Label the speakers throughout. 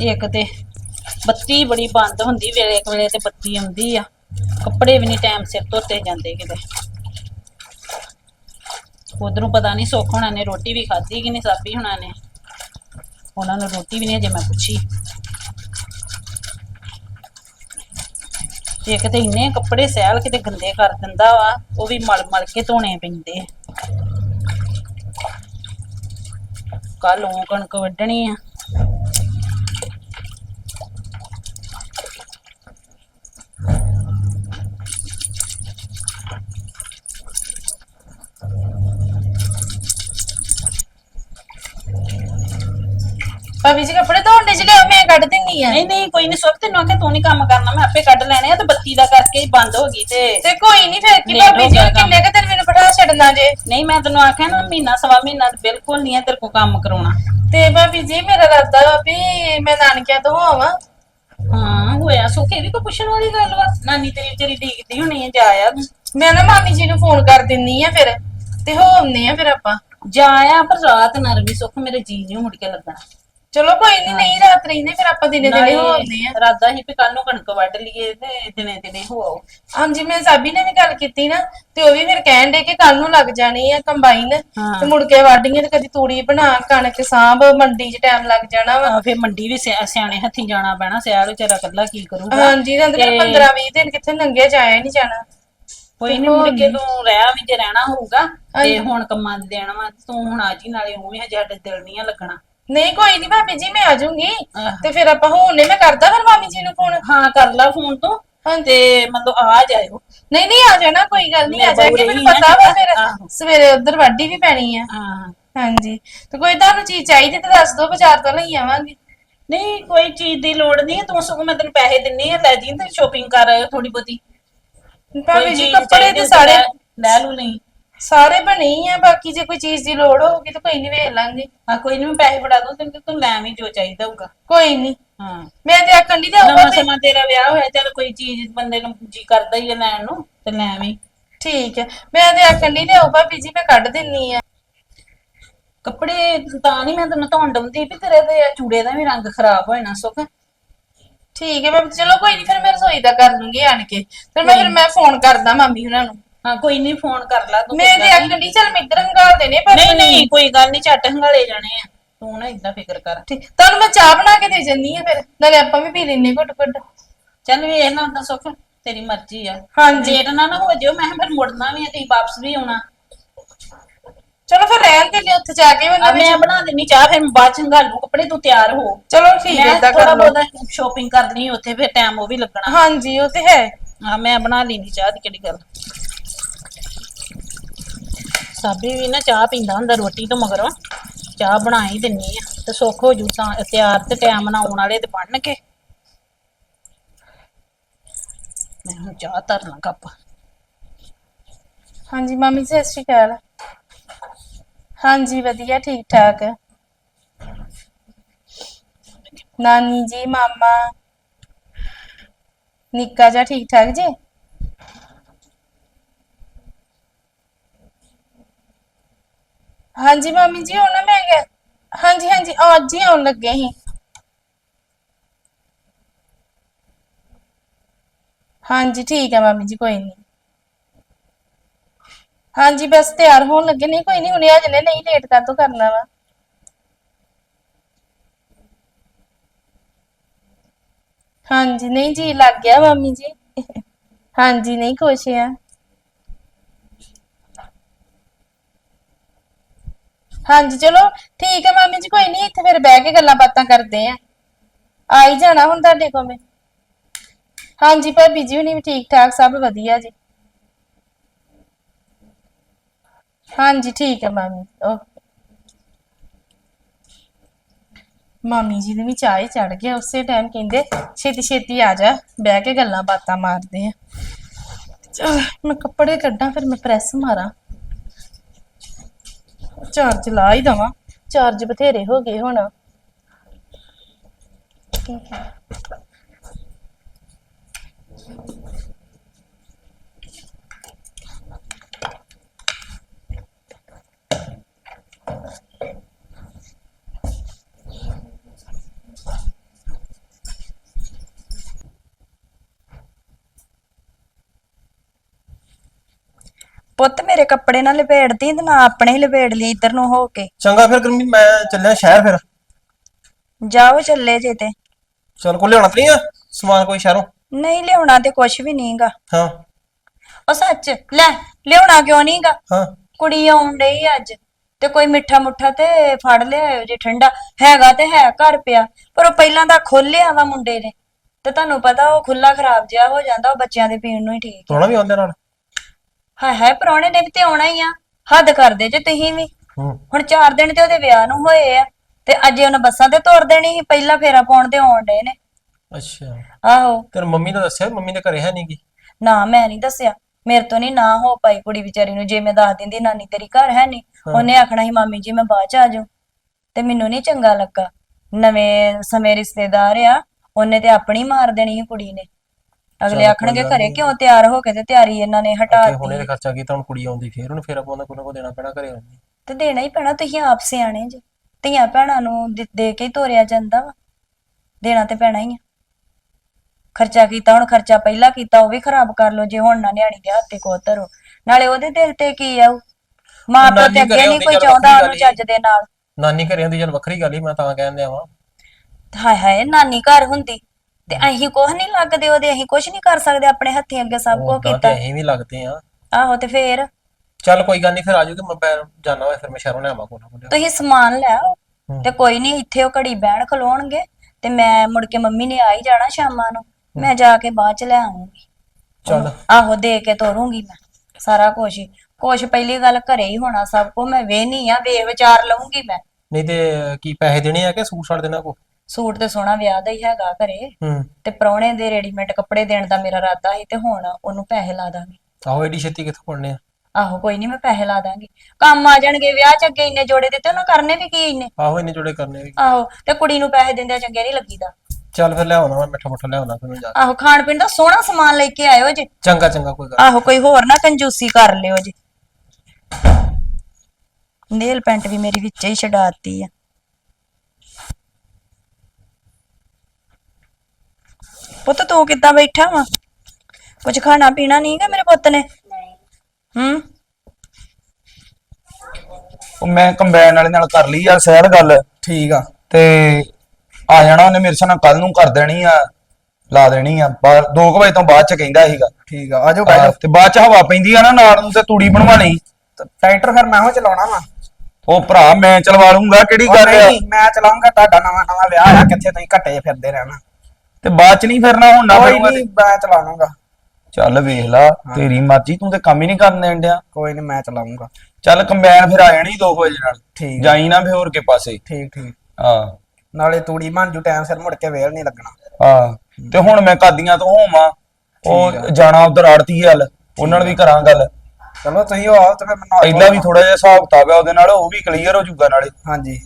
Speaker 1: ਇੱਕ ਤੇ ਬੱਤੀ ਬੜੀ ਬੰਦ ਹੁੰਦੀ ਵੇਲੇ ਇੱਕ ਵੇਲੇ ਤੇ ਬੱਤੀ ਆਉਂਦੀ ਆ ਕੱਪੜੇ ਵੀ ਨਹੀਂ ਟਾਈਮ ਸਿਰ ਧੋਤੇ ਜਾਂਦੇ ਕਿਤੇ ਉਧਰੋਂ ਪਤਾ ਨਹੀਂ ਸੁੱਖ ਹੋਣਾ ਨੇ ਰੋਟੀ ਵੀ ਖਾਧੀ ਕਿ ਨਹੀਂ ਸਾਬੀ ਹੋਣਾ ਨੇ ਉਹਨਾਂ ਨੂੰ ਰੋਟੀ ਵੀ ਨਹੀਂ ਅਜੇ ਮੈਂ ਪੁੱਛੀ ਇੱਕ ਤੇ ਇੰਨੇ ਕੱਪੜੇ ਸੈਲ ਕਿਤੇ ਗੰਦੇ ਕਰ ਦਿੰਦਾ ਵਾ ਉਹ ਵੀ ਮਲ ਮਲ ਕੇ ਧੋਣੇ ਪੈਂਦੇ ਕੱਲ ਉਹ ਕਣਕ ਵੱਢਣੀ ਆ
Speaker 2: ਭਾਬੀ ਜੀ ਕੱਪੜੇ ਧੋਣ ਦੇ ਜਿਹੜੇ ਮੈਂ ਕੱਢ ਦਿੰਨੀ ਆ
Speaker 1: ਨਹੀਂ ਨਹੀਂ ਕੋਈ ਨਹੀਂ ਸੁੱਖ ਤੈਨੂੰ ਆਖਿਆ ਤੂੰ ਨਹੀਂ ਕੰਮ ਕਰਨਾ ਮੈਂ ਆਪੇ ਕੱਢ ਲੈਣੇ ਆ ਤੇ ਬੱਤੀ ਦਾ ਕਰਕੇ ਹੀ ਬੰਦ ਹੋ ਗਈ
Speaker 2: ਤੇ ਕੋਈ ਨਹੀਂ ਫਿਰ ਕੀ
Speaker 1: ਲੇਟ
Speaker 2: ਭਾਬੀ
Speaker 1: ਹੋ
Speaker 2: ਜੀ
Speaker 1: ਗਿਆ
Speaker 2: ਕਿੰਨੇ ਕ ਦਿਨ ਮੈਨੂੰ ਬਿਠਾ ਛੱਡਣਾ ਜੇ
Speaker 1: ਨਹੀਂ ਮੈਂ ਤੈਨੂੰ ਆਖਿਆ ਨਾ ਮਹੀਨਾ ਸਵਾ ਮਹੀਨਾ ਬਿਲਕੁਲ ਨਹੀਂ ਹੈ ਤੇਰੇ ਕੋਲ ਕੰਮ ਕਰਾਉਣਾ
Speaker 2: ਤੇ ਭਾਬੀ ਜੀ ਮੇਰਾ ਇਰਾਦਾ ਵਾ ਵੀ ਮੈਂ ਨਾਨਕਿਆਂ ਤੋਂ ਆਵਾਂ
Speaker 1: ਹਾਂ ਹੋਇਆ ਸੁੱਖ ਇਹ ਵੀ ਕੋਈ ਪੁੱਛਣ ਵਾਲੀ ਗੱਲ ਵਾ ਨਾਨੀ ਤੇਰੀ ਵਿਚਾਰੀ ਡੀਕਦੀ ਹੋਣੀ ਹੈ ਜਾ ਆ
Speaker 2: ਮੈਂ ਨਾ ਮਾਮੀ ਜੀ ਨੂੰ ਫੋਨ ਕਰ ਦਿੰਨੀ ਆ ਫਿਰ ਤੇ ਹੋ ਆਉਂਦੇ ਆ ਫਿਰ ਆਪਾਂ
Speaker 1: ਜਾ ਆ ਪਰ ਰਾਤ ਨਰਮੀ ਸੁੱਖ ਮੇਰੇ ਜੀ ਨਹੀਂ ਮੁੜ ਕੇ ਲੱਗਣਾ
Speaker 2: ਚਲੋ ਕੋਈ ਨਹੀਂ ਰਾਤ ਰਹੀ ਨੇ ਫਿਰ ਆਪਾਂ ਦਿਨੇ ਦਿਨੇ ਹੋ ਆਉਂਦੇ ਆ
Speaker 1: ਰਾਦਾ ਹੀ ਵੀ ਕੱਲ ਨੂੰ ਕਣਕ ਵੱਢ ਲਈਏ ਤੇ ਦਿਨੇ ਦਿਨੇ ਹੋ ਆਓ
Speaker 2: ਹਾਂਜੀ ਮੈਂ ਸਾਬੀ ਨੇ ਵੀ ਗੱਲ ਕੀਤੀ ਨਾ ਤੇ ਉਹ ਵੀ ਫਿਰ ਕਹਿਣ ਦੇ ਕਿ ਕੱਲ ਨੂੰ ਲੱਗ ਜਾਣੀ ਆ ਕੰਬਾਈਨ ਤੇ ਮੁੜ ਕੇ ਵਾਢੀਆਂ ਤੇ ਕਦੀ ਤੂੜੀ ਬਣਾ ਕਣਕ ਸਾਂਭ ਮੰਡੀ 'ਚ ਟਾਈਮ ਲੱਗ ਜਾਣਾ ਵਾ
Speaker 1: ਫਿਰ ਮੰਡੀ ਵੀ ਸਿਆਣੇ ਹੱਥੀਂ ਜਾਣਾ ਪੈਣਾ ਸਿਆਲ ਵਿਚਾਰਾ ਕੱਲਾ ਕੀ ਕਰੂਗਾ
Speaker 2: ਹਾਂਜੀ ਤਾਂ ਫਿਰ 15-20 ਦਿਨ ਕਿੱਥੇ ਲੰਘਿਆ ਜਾਇਆ ਨਹੀਂ ਜਾਣਾ
Speaker 1: ਕੋਈ ਨਹੀਂ ਮੁੜ ਕੇ ਤੂੰ ਰਹਿ ਵੀ ਜੇ ਰਹਿਣਾ ਹੋਊਗਾ ਤੇ ਹੁਣ ਕੰਮਾਂ ਦੇ ਦੇਣਾ ਵਾ ਤੂੰ ਹੁਣ ਆ ਜੀ ਨਾਲੇ ਉਹ ਵੀ ਹਜੇ ਸਾਡੇ ਦਿਲ ਨਹੀਂ ਆ ਲੱਗਣਾ
Speaker 2: ਨਹੀਂ ਕੋਈ ਨਹੀਂ ਭਾਬੀ ਜੀ ਮੈਂ ਆ ਜਾਊਂਗੀ ਤੇ ਫਿਰ ਆਪਾਂ ਹੋਣੇ ਮੈਂ ਕਰਦਾ ਫਿਰ ਮਾਮੀ ਜੀ ਨੂੰ ਫੋਨ
Speaker 1: ਹਾਂ ਕਰ ਲਾ ਫੋਨ ਤੂੰ ਤੇ ਮਤਲਬ ਆ ਜਾਇਓ
Speaker 2: ਨਹੀਂ ਨਹੀਂ ਆ ਜਾਣਾ ਕੋਈ ਗੱਲ ਨਹੀਂ ਆ ਜਾਏਗੀ ਮੈਨੂੰ ਪਤਾ ਵਾ ਫਿਰ ਸਵੇਰੇ ਉਧਰ ਵਾਢੀ ਵੀ ਪੈਣੀ ਆ
Speaker 1: ਹਾਂ
Speaker 2: ਹਾਂਜੀ ਤੇ ਕੋਈ ਤੁਹਾਨੂੰ ਚੀਜ਼ ਚਾਹੀਦੀ ਤੇ ਦੱਸ ਦਿਓ ਬਾਜ਼ਾਰ ਤੋਂ ਲਈ ਆਵਾਂਗੇ
Speaker 1: ਨਹੀਂ ਕੋਈ ਚੀਜ਼ ਦੀ ਲੋੜ ਨਹੀਂ ਤੂੰ ਸਗੋਂ ਮੈਂ ਤੈਨੂੰ ਪੈਸੇ ਦਿੰਨੀ ਆ ਲੈ ਜੀ ਤੇ ਸ਼ੋਪਿੰਗ ਕਰ ਆਇਓ ਥੋੜੀ ਬਹੁਤੀ
Speaker 2: ਭਾਵੇਂ ਜੀ ਕੱਪੜੇ ਤੇ ਸਾਰੇ
Speaker 1: ਲੈ ਲੂ ਨਹੀਂ
Speaker 2: ਸਾਰੇ ਬਣੇ ਹੀ ਆ ਬਾਕੀ ਜੇ ਕੋਈ ਚੀਜ਼ ਦੀ ਲੋੜ ਹੋਊਗੀ ਤਾਂ ਕੋਈ ਨਹੀਂ ਵੇਖ ਲਾਂਗੇ
Speaker 1: ਹਾਂ ਕੋਈ ਨਹੀਂ ਮੈਂ ਪੈਸੇ ਫੜਾ ਦੂੰ ਤੈਨੂੰ ਤੂੰ ਲੈ ਵੀ ਜੋ ਚਾਹੀਦਾ ਹੋਊਗਾ
Speaker 2: ਕੋਈ ਨਹੀਂ
Speaker 1: ਹਾਂ
Speaker 2: ਮੈਂ ਤੇ ਆਖਣ ਦੀ ਤੇ
Speaker 1: ਨਵਾਂ ਸਮਾਂ ਤੇਰਾ ਵਿਆਹ ਹੋਇਆ ਚੱਲ ਕੋਈ ਚੀਜ਼ ਬੰਦੇ ਨੂੰ ਜੀ ਕਰਦਾ ਹੀ ਆ ਲੈਣ ਨੂੰ ਤੇ ਲੈ ਵੀ
Speaker 2: ਠੀਕ ਹੈ ਮੈਂ ਤੇ ਆਖਣ ਦੀ ਤੇ ਉਹ ਭਾਬੀ ਜੀ ਮੈਂ ਕੱਢ ਦਿੰਨੀ ਆ
Speaker 1: ਕੱਪੜੇ ਤਾਂ ਨਹੀਂ ਮੈਂ ਤੈਨੂੰ ਧੋਣ ਦਉਂਦੀ ਵੀ ਤੇਰੇ ਤੇ ਚੂੜੇ ਦਾ ਵੀ ਰੰਗ ਖਰਾਬ ਹੋ ਜਾਣਾ ਸੁੱਖ
Speaker 2: ਠੀਕ ਹੈ ਮੈਂ ਚਲੋ ਕੋਈ ਨਹੀਂ ਫਿਰ ਮੈਂ ਰਸੋਈ ਦਾ ਕਰ ਲੂੰਗੀ ਆਣ ਕੇ ਫਿਰ ਮੈਂ ਫੋਨ ਕਰਦਾ ਮਾਮੀ ਉਹਨਾਂ ਨੂੰ
Speaker 1: ਹਾਂ ਕੋਈ ਨਹੀਂ ਫੋਨ ਕਰ ਲਾ ਤੂੰ
Speaker 2: ਮੈਂ ਤੇ ਆਖਣ ਦੀ ਚੱਲ ਮਿੱਧਰ ਹੰਗਾਲ ਦੇਣੇ ਪਰ
Speaker 1: ਨਹੀਂ ਨਹੀਂ ਕੋਈ ਗੱਲ ਨਹੀਂ ਝੱਟ ਹੰਗਾਲੇ ਜਾਣੇ ਆ ਤੂੰ ਨਾ ਇਦਾਂ ਫਿਕਰ ਕਰ
Speaker 2: ਠੀਕ ਤੁਹਾਨੂੰ ਮੈਂ ਚਾਹ ਬਣਾ ਕੇ ਦੇ ਜੰਨੀ ਆ ਫਿਰ ਨਾਲੇ ਆਪਾਂ ਵੀ ਪੀ ਲੈਨੇ ਘੁੱਟ ਘੁੱਟ
Speaker 1: ਚੱਲ ਵੇਖ ਨਾ ਤਾਂ ਸੁੱਖ ਤੇਰੀ ਮਰਜ਼ੀ ਆ
Speaker 2: ਹਾਂਜੀ
Speaker 1: ਲੇਟ ਨਾ ਹੋ ਜਿਓ ਮੈਂ ਫਿਰ ਮੁੜਨਾ ਵੀ ਆ ਤੇ ਵਾਪਸ ਵੀ ਆਉਣਾ
Speaker 2: ਚਲੋ ਫਿਰ ਰਹਿਣ ਦੇ ਲਈ ਉੱਥੇ ਜਾ ਕੇ
Speaker 1: ਮੈਂ ਬਣਾ ਦਿੰਨੀ ਚਾਹ ਫਿਰ ਬਾਅਦ ਚ ਹੰਗਾਲੂ ਕੱਪੜੇ ਤੂੰ ਤਿਆਰ ਹੋ
Speaker 2: ਚਲੋ ਠੀਕ ਹੈ ਇਦਾਂ ਕਰ ਲਓ
Speaker 1: ਸ਼ੋਪਿੰਗ ਕਰਨੀ ਉੱਥੇ ਫਿਰ ਟਾਈਮ ਉਹ ਵੀ ਲੱਗਣਾ
Speaker 2: ਹਾਂਜੀ ਉਹ ਤੇ ਹੈ
Speaker 1: ਹਾਂ ਮੈਂ ਬਣਾ ਲੈਣੀ ਚਾਹ ਦੀ ਕਿਹੜੀ ਗੱਲ ਸਾਬੀ ਵੀ ਨਾ ਚਾਹ ਪੀਂਦਾ ਹੁੰਦਾ ਰੋਟੀ ਤੋਂ ਮਗਰੋਂ ਚਾਹ ਬਣਾ ਹੀ ਦਿੰਨੀ ਆ ਤੇ ਸੁੱਖ ਹੋ ਜੂ ਤਾਂ ਤਿਆਰ ਤੇ ਟਾਈਮ ਨਾਲ ਆਉਣ ਵਾਲੇ ਤੇ ਬਣ ਕੇ ਮੈਂ ਹੁਣ ਚਾਹ ਧਰਨਾ ਕੱਪ
Speaker 2: ਹਾਂਜੀ ਮਾਮੀ ਸਤਿ ਸ਼੍ਰੀ ਅਕਾਲ ਹਾਂਜੀ ਵਧੀਆ ਠੀਕ ਠਾਕ ਨਾਨੀ ਜੀ ਮਾਮਾ ਨਿੱਕਾ ਜਿਹਾ ਠੀਕ ਠਾਕ ਜੀ ਹਾਂਜੀ ਮਾਮੀ ਜੀ ਉਹ ਨਾ ਮੈਂ ਹਾਂਜੀ ਹਾਂਜੀ ਅੱਜ ਹੀ ਆਉਣ ਲੱਗੇ ਸੀ ਹਾਂਜੀ ਠੀਕ ਹੈ ਮਾਮੀ ਜੀ ਕੋਈ ਨਹੀਂ ਹਾਂਜੀ ਬਸ ਤਿਆਰ ਹੋਣ ਲੱਗੇ ਨਹੀਂ ਕੋਈ ਨਹੀਂ ਹੁਣੇ ਆ ਜਨੇ ਨਹੀਂ ਲੇਟ ਕਰ ਤੋਂ ਕਰਨਾ ਵਾ ਹਾਂਜੀ ਨਹੀਂ ਜੀ ਲੱਗ ਗਿਆ ਮਾਮੀ ਜੀ ਹਾਂਜੀ ਨਹੀਂ ਖੁਸ਼ ਆ ਹਾਂਜੀ ਚਲੋ ਠੀਕ ਹੈ ਮਾਮੀ ਜੀ ਕੋਈ ਨਹੀਂ ਇੱਥੇ ਫਿਰ ਬਹਿ ਕੇ ਗੱਲਾਂ ਬਾਤਾਂ ਕਰਦੇ ਆ ਹੀ ਜਾਣਾ ਹੁਣ ਤੁਹਾਡੇ ਕੋਲ ਮੈਂ ਹਾਂਜੀ ਭਾਬੀ ਜੀ ਹੁਣੀ ਵੀ ਠੀਕ ਠਾਕ ਸਭ ਵਧੀਆ ਜੀ ਹਾਂਜੀ ਠੀਕ ਹੈ ਮਾਮੀ ਓਕੇ ਮਾਮੀ ਜੀ ਨੇ ਵੀ ਚਾਹ ਹੀ ਚੜ ਗਿਆ ਉਸੇ ਟਾਈਮ ਕਹਿੰਦੇ ਛੇਤੀ ਛੇਤੀ ਆ ਜਾ ਬਹਿ ਕੇ ਗੱਲਾਂ ਬਾਤਾਂ ਮਾਰਦੇ ਆ ਚਲ ਮੈਂ ਕੱਪੜੇ ਕੱਢਾਂ ਫਿਰ ਮੈਂ ਪ੍ਰੈਸ ਮਾਰਾਂ ਚਾਰਜ ਲਾ ਹੀ ਦਵਾਂ ਚਾਰਜ ਬਥੇਰੇ ਹੋ ਗਏ ਹੁਣ
Speaker 3: ਪੁੱਤ ਮੇਰੇ ਕੱਪੜੇ ਨਾਲ ਲਪੇੜਦੀ ਤੇ ਨਾ ਆਪਣੇ ਹੀ ਲਪੇੜ ਲਈ ਇੱਧਰ ਨੂੰ ਹੋ ਕੇ।
Speaker 4: ਚੰਗਾ ਫਿਰ ਗੁਰਮੀਤ ਮੈਂ ਚੱਲਿਆ ਸ਼ਹਿਰ ਫਿਰ।
Speaker 3: ਜਾਓ ਚੱਲੇ ਜੇ ਤੇ।
Speaker 4: ਚਲ ਕੋ ਲਿਆਉਣਾ ਤੇ ਨਹੀਂ ਆ ਸਮਾਨ ਕੋਈ ਸ਼ਹਿਰੋਂ?
Speaker 3: ਨਹੀਂ ਲਿਆਉਣਾ ਤੇ ਕੁਛ ਵੀ ਨਹੀਂਗਾ।
Speaker 4: ਹਾਂ
Speaker 3: ਉਹ ਸੱਚ ਲੈ ਲਿਆਉਣਾ ਕਿਉਂ ਨਹੀਂਗਾ?
Speaker 4: ਹਾਂ
Speaker 3: ਕੁੜੀ ਆਉਣ ਡਈ ਅੱਜ ਤੇ ਕੋਈ ਮਿੱਠਾ ਮੁੱਠਾ ਤੇ ਫੜ ਲਿਆਇਓ ਜੇ ਠੰਡਾ ਹੈਗਾ ਤੇ ਹੈ ਘਰ ਪਿਆ, ਪਰ ਉਹ ਪਹਿਲਾਂ ਦਾ ਖੋਲਿਆ ਵਾ ਮੁੰਡੇ ਨੇ ਤੇ ਤੁਹਾਨੂੰ ਪਤਾ ਉਹ ਖੁੱਲਾ ਖਰਾਬ ਜਿਹਾ ਹੋ ਜਾਂਦਾ, ਉਹ ਬੱਚਿਆਂ ਦੇ ਪੀਣ ਨੂੰ ਹੀ ਠੀਕ।
Speaker 4: ਤੋਣਾ ਵੀ ਆਉਂਦੇ ਨਾਲ?
Speaker 3: ਹਾਏ ਪ੍ਰਾਹੁਣੇ ਨੇ ਵੀ ਤੇ ਆਉਣਾ ਹੀ ਆ, ਹੱਦ ਕਰਦੇ ਜੇ ਤੁਸੀਂ ਵੀ।
Speaker 4: ਹੂੰ
Speaker 3: ਹੁਣ 4 ਦਿਨ ਤੇ ਉਹਦੇ ਵਿਆਹ ਨੂੰ ਹੋਏ ਆ ਤੇ ਅਜੇ ਉਹਨੇ ਬੱਸਾਂ ਤੇ ਤੋਰ ਦੇਣੀ ਸੀ, ਪਹਿਲਾਂ ਫੇਰਾ ਪਾਉਣ ਤੇ ਆਉਣ ਡਏ ਨੇ।
Speaker 4: ਅੱਛਾ
Speaker 3: ਆਹੋ
Speaker 4: ਤੇਰੀ ਮੰਮੀ ਨੇ ਦੱਸਿਆ? ਮੰਮੀ ਦੇ ਘਰੇ ਹੈ ਨਹੀਂ ਗੀ?
Speaker 3: ਨਾ ਮੈਂ ਨਹੀਂ ਦੱਸਿਆ, ਮੇਰੇ ਤੋਂ ਨਹੀਂ ਨਾ ਹੋ ਪਾਈ ਕੁੜੀ ਵਿਚਾਰੀ ਨੂੰ। ਜੇ ਮੈਂ ਦੱਸ ਦਿੰਦੀ ਨਾਨੀ ਤੇਰੀ ਘਰ ਹੈ ਨਹੀਂ, ਉਹਨੇ ਆਖਣਾ ਸੀ ਮਾਮੀ ਜੀ ਮੈਂ ਬਾਅਦ ਚ ਆ ਜਾਊਂ, ਤੇ ਮੈਨੂੰ ਨਹੀਂ ਚੰਗਾ ਲੱਗਾ। ਨਵੇਂ ਸਮੇਂ ਰਿਸ਼ਤੇਦਾਰ ਆ, ਉਹਨੇ ਤੇ ਆਪਣੀ ਮਾਰ ਦੇਣੀ ਸੀ ਕੁੜੀ ਨੇ। ਅਗਲੇ ਆਖਣਗੇ ਘਰੇ ਕਿਉਂ ਤਿਆਰ ਹੋ ਕੇ ਤੇ ਤਿਆਰੀ ਇਹਨਾਂ ਨੇ ਹਟਾ
Speaker 4: ਤੇ ਹੁਣੇ
Speaker 3: ਦਿੱਤੀ।
Speaker 4: ਤੇ ਖਰਚਾ ਕੀਤਾ, ਹੁਣ ਕੁੜੀ ਆਉਂਦੀ ਫੇਰ ਉਹਨੂੰ ਫੇਰਾ ਪਾਉਂਦਾ ਕੋਈ ਨਾ ਕੋਈ ਦੇਣਾ ਪੈਣਾ ਘਰੇ ਆਉਂਦੀ।
Speaker 3: ਤੇ ਦੇਣਾ ਹੀ ਪੈਣਾ, ਤੁਸੀਂ ਆਪ ਸਿਆਣੇ ਜੇ। ਧੀਆਂ ਭੈਣਾਂ ਨੂੰ ਦੇ ਕੇ ਹੀ ਤੋਰਿਆ ਜਾਂਦਾ ਵਾ, ਦੇਣਾ ਤੇ ਪੈਣਾ ਹੀ ਆ। ਖਰਚਾ ਕੀਤਾ, ਹੁਣ ਖਰਚਾ ਪਹਿਲਾਂ ਕੀਤਾ ਉਹ ਵੀ ਖਰਾਬ ਕਰ ਲੋ ਜੇ ਹੁਣ ਨਾ ਨਿਆਣੀ ਦੇ ਹੱਥੇ ਕੋ ਧਰੋ। ਨਾਲੇ ਉਹਦੇ ਦਿਲ ਤੇ ਕੀ ਆਊ? ਮਾਂ ਪਿਓ ਤੇ ਅੱਗੇ ਨਹੀਂ ਕੋਈ ਚਾਹੁੰਦਾ ਉਹਨੂੰ ਚੱਜ ਦੇ ਨਾਲ।
Speaker 4: ਨਾਨੀ ਘਰੇ ਹੁੰਦੀ ਚੱਲ ਵੱਖਰੀ ਗੱਲ ਹੀ, ਮੈਂ ਤਾਂ ਕਹਿਣ ਦਿਆ ਵਾਂ।
Speaker 3: ਹਾਏ ਹਾਏ ਨਾਨੀ ਘਰ ਹੁੰਦੀ ਤੇ ਅਸੀਂ ਕੁਝ ਨਹੀਂ ਲੱਗਦੇ ਉਹਦੇ, ਅਸੀਂ ਕੁਝ ਨਹੀਂ ਕਰ ਸਕਦੇ, ਆਪਣੇ ਹੱਥੀਂ ਅੱਗੇ ਸਭ ਕੁਝ
Speaker 4: ਉਦਾਂ
Speaker 3: ਕੀਤਾ।
Speaker 4: ਤੇ ਅਸੀਂ ਵੀ ਲੱਗਦੇ ਆ।
Speaker 3: ਆਹੋ ਤੇ ਫੇਰ
Speaker 4: ਚੱਲ ਕੋਈ ਗੱਲ ਨਹੀਂ, ਫਿਰ ਆ ਜਾਊਗੀ। ਮੈਂ ਜਾਣਾ ਹੋਇਆ ਫਿਰ ਮੈਂ ਸ਼ਹਿਰੋਂ ਲਿਆਵਾਂ ਕੋਲ ਨਾ।
Speaker 3: ਤੁਸੀਂ ਸਮਾਨ ਲੈ ਆਓ ਤੇ ਕੋਈ ਨਹੀਂ, ਇੱਥੇ ਉਹ ਘੜੀ ਬਹਿਣ ਖਲੋਣਗੇ ਤੇ ਮੈਂ ਮੁੜ ਕੇ ਮੰਮੀ ਨੇ ਆ ਹੀ ਜਾਣਾ ਸ਼ਾਮਾਂ ਨੂੰ, ਮੈਂ ਜਾ ਕੇ ਬਾਅਦ ਚ ਲੈ ਆਉਂਗੀ।
Speaker 4: ਚੱਲ
Speaker 3: ਆਹੋ ਦੇ ਕੇ ਤੋਰੂੰਗੀ ਮੈਂ ਸਾਰਾ ਕੁਝ ਹੀ। ਕੁਛ ਪਹਿਲੀ ਗੱਲ ਘਰੇ ਹੀ ਹੋਣਾ ਸਭ ਕੋ, ਮੈਂ ਵੇਹਨੀ ਆ, ਵੇ ਵਿਚਾਰ ਲਊਂਗੀ ਮੈਂ।
Speaker 4: ਨਹੀਂ ਤੇ ਕੀ ਪੈਸੇ ਦੇਣੇ ਆ ਕਿ ਸੂਟ ਸਾਟ ਦੇਣਾ ਕੋ?
Speaker 3: ਸੂਟ ਤੇ ਸੋਹਣਾ ਵਿਆਹ ਦਾ ਹੀ ਹੈਗਾ ਘਰੇ,
Speaker 4: ਹੂੰ
Speaker 3: ਤੇ ਪ੍ਰਾਹੁਣੇ ਦੇ ਰੈਡੀਮੇਡ ਕੱਪੜੇ ਦੇਣ ਦਾ ਮੇਰਾ ਇਰਾਦਾ ਸੀ, ਤੇ ਹੁਣ ਉਹਨੂੰ ਪੈਸੇ ਲਾ ਦਾਂਗੀ।
Speaker 4: ਆਹੋ ਏਡੀ ਛੇਤੀ ਕਿੱਥੋਂ ਪੜਨੇ ਆ?
Speaker 3: ਆਹੋ ਕੋਈ ਨਹੀਂ, ਮੈਂ ਪੈਸੇ ਲਾ ਦਾਂਗੀ, ਕੰਮ ਆ ਜਾਣਗੇ। ਵਿਆਹ ਚ ਅੱਗੇ ਇੰਨੇ ਜੋੜੇ ਦਿੱਤੇ, ਉਹਨਾਂ ਕਰਨੇ ਵੀ ਕੀ ਇੰਨੇ।
Speaker 4: ਆਹੋ ਇੰਨੇ ਜੋੜੇ ਕਰਨੇ ਵੀ।
Speaker 3: ਆਹੋ ਤੇ ਕੁੜੀ ਨੂੰ ਪੈਸੇ ਦਿੰਦੇ ਚੰਗੇ ਨਹੀਂ ਲੱਗੀਦਾ।
Speaker 4: ਚੱਲ ਫਿਰ ਲਿਆਉਣਾ ਮੈਂ ਮਿੱਠਾ ਮੁੱਠਾ ਲਿਆਉਣਾ ਫਿਰ ਜਾ ਕੇ।
Speaker 3: ਆਹੋ ਖਾਣ ਪੀਣ ਦਾ ਸੋਹਣਾ ਸਮਾਨ ਲੈ ਕੇ ਆਇਓ ਜੇ।
Speaker 4: ਚੰਗਾ ਚੰਗਾ ਕੋਈ ਗੱਲ
Speaker 3: ਆਹੋ ਕੋਈ ਹੋਰ ਨਾ ਕੰਜੂਸੀ ਕਰ ਲਿਓ ਜੀ। ਨੇਲ ਪੈਂਟ ਵੀ ਮੇਰੀ ਵਿੱਚ ਹੀ ਛਡਾਤੀ ਆ। ਪੁੱਤ ਤੂੰ ਕਿੱਦਾਂ ਬੈਠਾ ਵਾ? ਕੁਝ ਖਾਣਾ ਪੀਣਾ ਨਹੀਂ ਗਾ ਮੇਰੇ ਪੁੱਤ ਨੇ? ਹੂੰ
Speaker 5: ਉਹ ਮੈਂ ਕੰਬਾਈਨ ਵਾਲੇ ਨਾਲ ਕਰ ਲਈ ਯਾਰ ਸਹਿਲ ਗੱਲ।
Speaker 6: ਠੀਕ ਆ।
Speaker 5: ਤੇ ਆ ਜਾਣਾ ਉਹਨੇ ਮੇਰੇ ਨਾਲ, ਕੱਲ ਨੂੰ ਕਰ ਦੇਣੀ ਆ, ਲਾ ਦੇਣੀ ਆ 2 ਵਜੇ ਤੋਂ ਬਾਅਦ ਚ ਕਹਿੰਦਾ ਸੀਗਾ।
Speaker 6: ਠੀਕ ਆ, ਆਜੋ ਬੈਠੋ।
Speaker 5: ਤੇ ਬਾਅਦ ਚ ਹਵਾ ਪੈਂਦੀ ਆ ਨਾ ਨਾਲ ਨੂੰ, ਤੇ ਤੂੜੀ ਬਣਵਾਣੀ।
Speaker 6: ਟਰੈਕਟਰ ਫਿਰ ਮੈਂ ਹੋ ਚਲਾਉਣਾ ਵਾ।
Speaker 5: ਉਹ ਭਰਾ ਮੈਂ ਚਲਵਾ ਲੂੰਗਾ, ਕਿਹੜੀ ਗੱਲ ਆ।
Speaker 6: ਨਹੀਂ ਮੈਂ ਚਲਾਉਂਗਾ, ਤੁਹਾਡਾ ਨਵਾਂ ਨਵਾਂ ਵਿਆਹ ਆ, ਕਿੱਥੇ ਤੁਸੀਂ ਘੱਟੇ ਫਿਰਦੇ ਰਹਿਣਾ।
Speaker 5: ਤੇ ਬਾਅਦ ਚ ਨਹੀਂ ਫਿਰਨਾ, ਹੁਣ ਨਾ
Speaker 6: ਕੋਈ
Speaker 5: ਫਿਰੂੰਗਾ
Speaker 6: ਨਹੀਂ
Speaker 5: ਤੇ।
Speaker 6: ਮੈਂ ਚਲਾਉਂਗਾ।
Speaker 5: ਚੱਲ ਵੇਖ ਲਾ ਤੇਰੀ ਮਰਜ਼ੀ, ਤੂੰ ਤੇ ਕੰਮ ਹੀ ਨਹੀਂ ਕਰਨ ਦੇਣ ਡਿਆ।
Speaker 6: ਕੋਈ ਨਹੀਂ ਮੈਂ ਚਲਾਉਂਗਾ।
Speaker 5: ਚੱਲ ਕੰਬਾਈਨ ਫਿਰ ਆ ਜਾਣੀ 2 ਵਜੇ ਨਾਲ।
Speaker 6: ਠੀਕ।
Speaker 5: ਜਾਈ ਨਾ ਫਿਰ ਹੋਰ ਕੇ ਪਾਸੇ।
Speaker 6: ਠੀਕ ਠੀਕ।
Speaker 5: ਹਾਂ
Speaker 6: ਨਾਲੇ ਤੂੜੀ ਬਣ ਜੂ, ਟਾਈਮ ਸਿਰ ਮੁੜ ਕੇ ਵੇਲ ਨਹੀਂ ਲੱਗਣਾ।
Speaker 5: ਹਾਂ ਤੇ ਹੁਣ ਮੈਂ ਕਾਦੀਆਂ ਤੋਂ ਹੋਵਾਂ, ਉਹ ਜਾਣਾ ਉਧਰ ਆੜਤੀ ਹਲ, ਉਹਨਾਂ ਨਾਲ ਵੀ ਕਰਾਂ ਗੱਲ।
Speaker 6: ਚਲੋ ਤੁਸੀਂ ਉਹ ਆਓ ਤੇ ਫਿਰ ਮੈਨੂੰ
Speaker 5: ਪਹਿਲਾਂ ਵੀ ਥੋੜਾ ਜਿਹਾ ਹਿਸਾਬ ਕਿਤਾਬ ਆ ਉਹਦੇ ਨਾਲ, ਉਹ ਵੀ ਕਲੀਅਰ ਹੋ ਜਾਊਗਾ ਨਾਲੇ।
Speaker 6: ਹਾਂਜੀ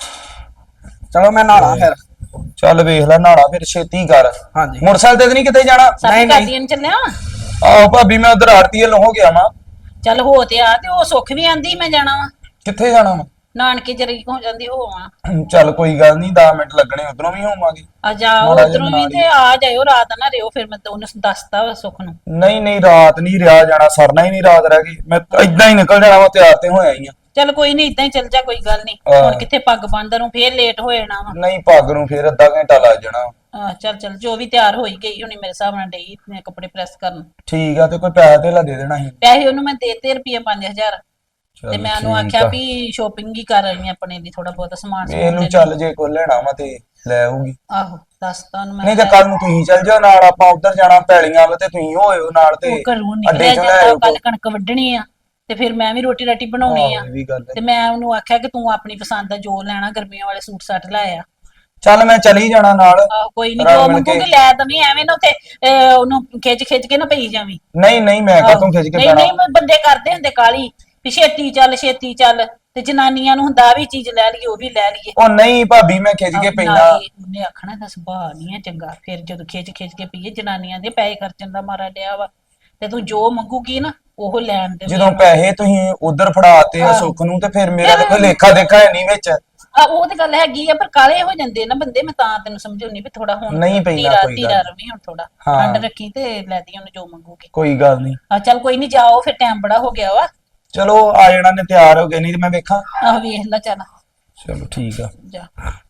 Speaker 6: ਚਲੋ ਮੈਂ ਨਹਾਣਾ ਫਿਰ।
Speaker 5: ਚੱਲ ਵੇਖ ਲੈ, ਨਹਾਣਾ ਫਿਰ ਛੇਤੀ ਕਰ।
Speaker 6: ਹਾਂਜੀ
Speaker 5: ਮੋਟਰਸਾਈਕਲ ਤੇ ਨਹੀਂ ਕਿਤੇ ਜਾਣਾ?
Speaker 1: ਸਾਡੀ ਕਾਦੀਆਂ ਨੂੰ ਚੱਲਿਆ।
Speaker 5: ਆਹੋ ਭਾਬੀ ਮੈਂ ਉਧਰ ਆੜਤੀ ਹਲ ਹੋ ਗਿਆ ਵਾਂ।
Speaker 1: ਚੱਲ ਹੋ ਤੇ ਆ, ਤੇ ਉਹ ਸੁੱਖ ਵੀ ਆਂਦੀ ਮੈਂ ਜਾਣਾ ਵਾ
Speaker 5: ਕਿੱਥੇ ਜਾਣਾ ਵਾ?
Speaker 1: ਨਾਨਕੇ ਜਰੀ ਹੋ ਜਾਂਦੀ ਹੋ ਆ।
Speaker 5: ਚੱਲ ਕੋਈ ਗੱਲ ਨਹੀਂ, 10 ਮਿੰਟ ਲੱਗਣੇ, ਉਧਰੋਂ ਵੀ ਹੋਵਾਂਗੇ।
Speaker 1: ਆ ਜਾਓ
Speaker 5: ਮਾੜਾ ਜਿਹਾ
Speaker 1: ਉਧਰੋਂ ਵੀ,
Speaker 5: ਬਣਾ
Speaker 1: ਤੇ ਆ ਜਾਇਓ, ਰਾਤ ਨਾ ਰਿਓ। ਫਿਰ ਮੈਂ ਉਹਨੂੰ ਦੱਸਤਾ ਵਾ ਸੁੱਖ ਨੂੰ।
Speaker 5: ਨਹੀਂ ਨਹੀਂ ਰਾਤ ਨਹੀਂ ਰਿਹਾ ਜਾਣਾ, ਸਰਨਾ ਹੀ ਨਹੀਂ ਰਾਤ ਰਹਿ ਗਈ। ਮੈਂ ਏਦਾਂ ਹੀ ਨਿਕਲ ਜਾਣਾ ਵਾ, ਤਿਆਰ ਤੇ ਹੋਇਆ ਹੀ ਆ।
Speaker 1: ਚੱਲ ਕੋਈ ਨਹੀਂ, ਇਦਾਂ ਹੀ ਚੱਲ ਜਾ, ਕੋਈ ਗੱਲ ਨਹੀਂ।
Speaker 5: ਹਾਂ।
Speaker 1: ਹੁਣ ਕਿੱਥੇ ਪੱਗ ਬੰਨ੍ਹਦਾ ਨੂੰ ਫੇਰ ਲੇਟ ਹੋ ਜਾਣਾ ਵਾ।
Speaker 5: ਨਹੀਂ ਪੱਗ ਨੂੰ ਫੇਰ ਅੱਧਾ ਘੰਟਾ ਲੱਗ ਜਾਣਾ।
Speaker 1: ਚੱਲ ਚੱਲ, ਜੋ ਵੀ ਤਿਆਰ ਹੋਈ ਗਈ ਹੁਣੀ ਮੇਰੇ ਹਿਸਾਬ ਨਾਲ ਡਈ ਮੈਂ ਕੱਪੜੇ ਪ੍ਰੈਸ ਕਰਨ।
Speaker 5: ਠੀਕ ਆ, ਤੇ ਕੋਈ ਪੈਸਾ ਧੇਲਾ ਦੇ ਦੇਣਾ ਸੀ।
Speaker 1: ਪੈਸੇ ਉਹਨੂੰ ਮੈਂ ਦੇਤੇ ਰੁਪਏ 5000, ਤੇ ਮੈਂ ਉਹਨੂੰ
Speaker 5: ਠੀਕ
Speaker 1: ਆਖਿਆ
Speaker 5: ਆ।
Speaker 1: ਵੀ ਸ਼ੋਪਿੰਗ ਹੀ ਕਰ ਆਈ ਆਪਣੇ ਲਈ, ਥੋੜਾ ਬਹੁਤ ਸਮਾਨ ਸਮੂਨ
Speaker 5: ਇਹਨੂੰ
Speaker 1: ਲੈ
Speaker 5: ਚੱਲ ਜੇ ਕੋਈ ਲੈਣਾ ਵਾ ਤੇ ਲੈ ਆਊਗੀ।
Speaker 1: ਆਹੋ ਦੱਸਤਾ ਉਹਨੂੰ ਮੈਂ।
Speaker 5: ਨਹੀਂ ਤੇ ਕੱਲ ਨੂੰ ਤੁਸੀਂ ਚੱਲ ਜਾਓ ਨਾਲ, ਆਪਾਂ ਉਧਰ ਜਾਣਾ ਪੈਲੀਆਂ ਵੱਲ, ਤੇ ਤੁਸੀਂ ਹੋਇਓ ਨਾਲ ਤੇ
Speaker 1: ਉਹ ਘਰੋਂ
Speaker 5: ਅੱਡੇ
Speaker 1: ਨਿਕਲਿਆ
Speaker 5: ਚੋਂ ਲੈ
Speaker 1: ਜਾਂਦਾ,
Speaker 5: ਆਇਓ।
Speaker 1: ਕੱਲ ਕਣਕ ਵੱਢਣੀ ਆ, ਤੇ ਫਿਰ ਮੈਂ ਵੀ ਰੋਟੀ ਰਾਟੀ ਬਣਾਉਣੀ ਆ।
Speaker 5: ਆਹੋ, ਇਹ ਵੀ ਗੱਲ ਹੈ।
Speaker 1: ਤੇ ਮੈਂ ਉਹਨੂੰ ਆਖਿਆ ਕਿ ਤੂੰ ਆਪਣੀ ਪਸੰਦ ਦਾ ਜੋ ਲੈਣਾ, ਗਰਮੀਆਂ ਵਾਲੇ ਸੂਟ ਸੱਟ ਲੈ ਆ।
Speaker 5: ਚੱਲ ਮੈਂ ਚਲੀ ਜਾਣਾ ਨਾਲ।
Speaker 1: ਆਹੋ ਕੋਈ ਨਹੀਂ,
Speaker 5: ਰਲ
Speaker 1: ਜੋ
Speaker 5: ਮਿਲ
Speaker 1: ਮੰਗੂਗੀ
Speaker 5: ਕੇ।
Speaker 1: ਲੈ ਤਾਂ ਨਹੀਂ, ਐਵੇਂ ਨਾ ਉੱਥੇ ਉਹਨੂੰ ਖਿੱਚ ਕੇ ਨਾ ਪਈ ਜਾਵੀਂ।
Speaker 5: ਨਹੀਂ ਨਹੀਂ ਮੈਂ ਕਾਹਤੋਂ ਖਿੱਚ ਕੇ
Speaker 1: ਨਹੀਂ
Speaker 5: ਪੈਣਾ।
Speaker 1: ਨਹੀਂ, ਬੰਦੇ ਕਰਦੇ ਹੁੰਦੇ ਕਾਲੀ ਵੀ ਛੇਤੀ ਚੱਲ ਛੇਤੀ ਚੱਲ, ਤੇ ਜਨਾਨੀਆਂ ਨੂੰ ਹੁੰਦਾ ਵੀ ਚੀਜ਼ ਲੈ ਲਈਏ, ਉਹ ਵੀ ਲੈ ਲਈਏ।
Speaker 5: ਉਹ ਨਹੀਂ ਭਾਬੀ ਮੈਂ ਖਿੱਚ ਕੇ ਪੈਂਦਾ।
Speaker 1: ਨਾਲੇ ਉਹਨੇ ਆਖਣਾ ਦਾ ਸੁਭਾਅ ਨਹੀਂ ਹੈ ਚੰਗਾ, ਫਿਰ ਜਦੋਂ ਖਿੱਚ ਕੇ ਪਈਏ, ਜਨਾਨੀਆਂ ਦੇ ਪੈਸੇ ਖਰਚਣ ਦਾ ਮਾਰਾ ਡਿਆ ਵਾ, ਤੇ ਤੂੰ ਜੋ ਮੰਗੂਗੀ ਨਾ ਉਹ ਲੈਣ ਦੇ।
Speaker 5: ਜਦੋਂ ਪੈਸੇ ਤੁਸੀਂ ਉਧਰ ਫੜਾਤੇ ਆ ਸੁੱਖ ਨੂੰ, ਤੇ ਫਿਰ ਮੇਰਾ ਤਾਂ ਕੋਈ ਲੇਖਾ ਦੇਖਾ ਹੈ ਨਹੀਂ ਵਿੱਚ।
Speaker 1: ਉਹ ਤੇ ਗੱਲ ਹੈਗੀ ਆ, ਪਰ ਕਾਲੇ ਹੋ ਜਾਂਦੇ ਨਾ ਬੰਦੇ, ਮੈਂ ਤਾਂ ਤੈਨੂੰ ਸਮਝਾਉਣੀ ਵੀ ਥੋੜਾ ਹੁਣ
Speaker 5: ਨਹੀਂ ਪੈਂਦਾ
Speaker 1: ਧੀਰਾ
Speaker 5: ਕੋਈ
Speaker 1: ਧੀਰਾ
Speaker 5: ਗੱਲ।
Speaker 1: ਰਵੀ ਹੁਣ ਥੋੜਾ
Speaker 5: ਹਾਂ।
Speaker 1: ਠੰਡ ਰੱਖੀ ਤੇ ਲੈ ਦੀ ਉਹਨੂੰ ਜੋ ਮੰਗੂਗੀ।
Speaker 5: ਕੋਈ ਗੱਲ ਨਹੀਂ,
Speaker 1: ਆ ਚੱਲ ਕੋਈ ਨਹੀਂ, ਜਾਓ ਫਿਰ, ਟਾਈਮ ਬੜਾ ਹੋ ਗਿਆ ਵਾ।
Speaker 5: ਚਲੋ ਆ ਜਾਣਾ ਨੇ, ਤਿਆਰ ਹੋ ਗਏ, ਨਹੀਂ ਤੇ ਮੈਂ ਵੇਖਾਂ।
Speaker 1: ਆਹ ਵੇਖ ਲੈ, ਚੱਲ
Speaker 5: ਚਲੋ ਠੀਕ ਆ।
Speaker 1: ਜਾ।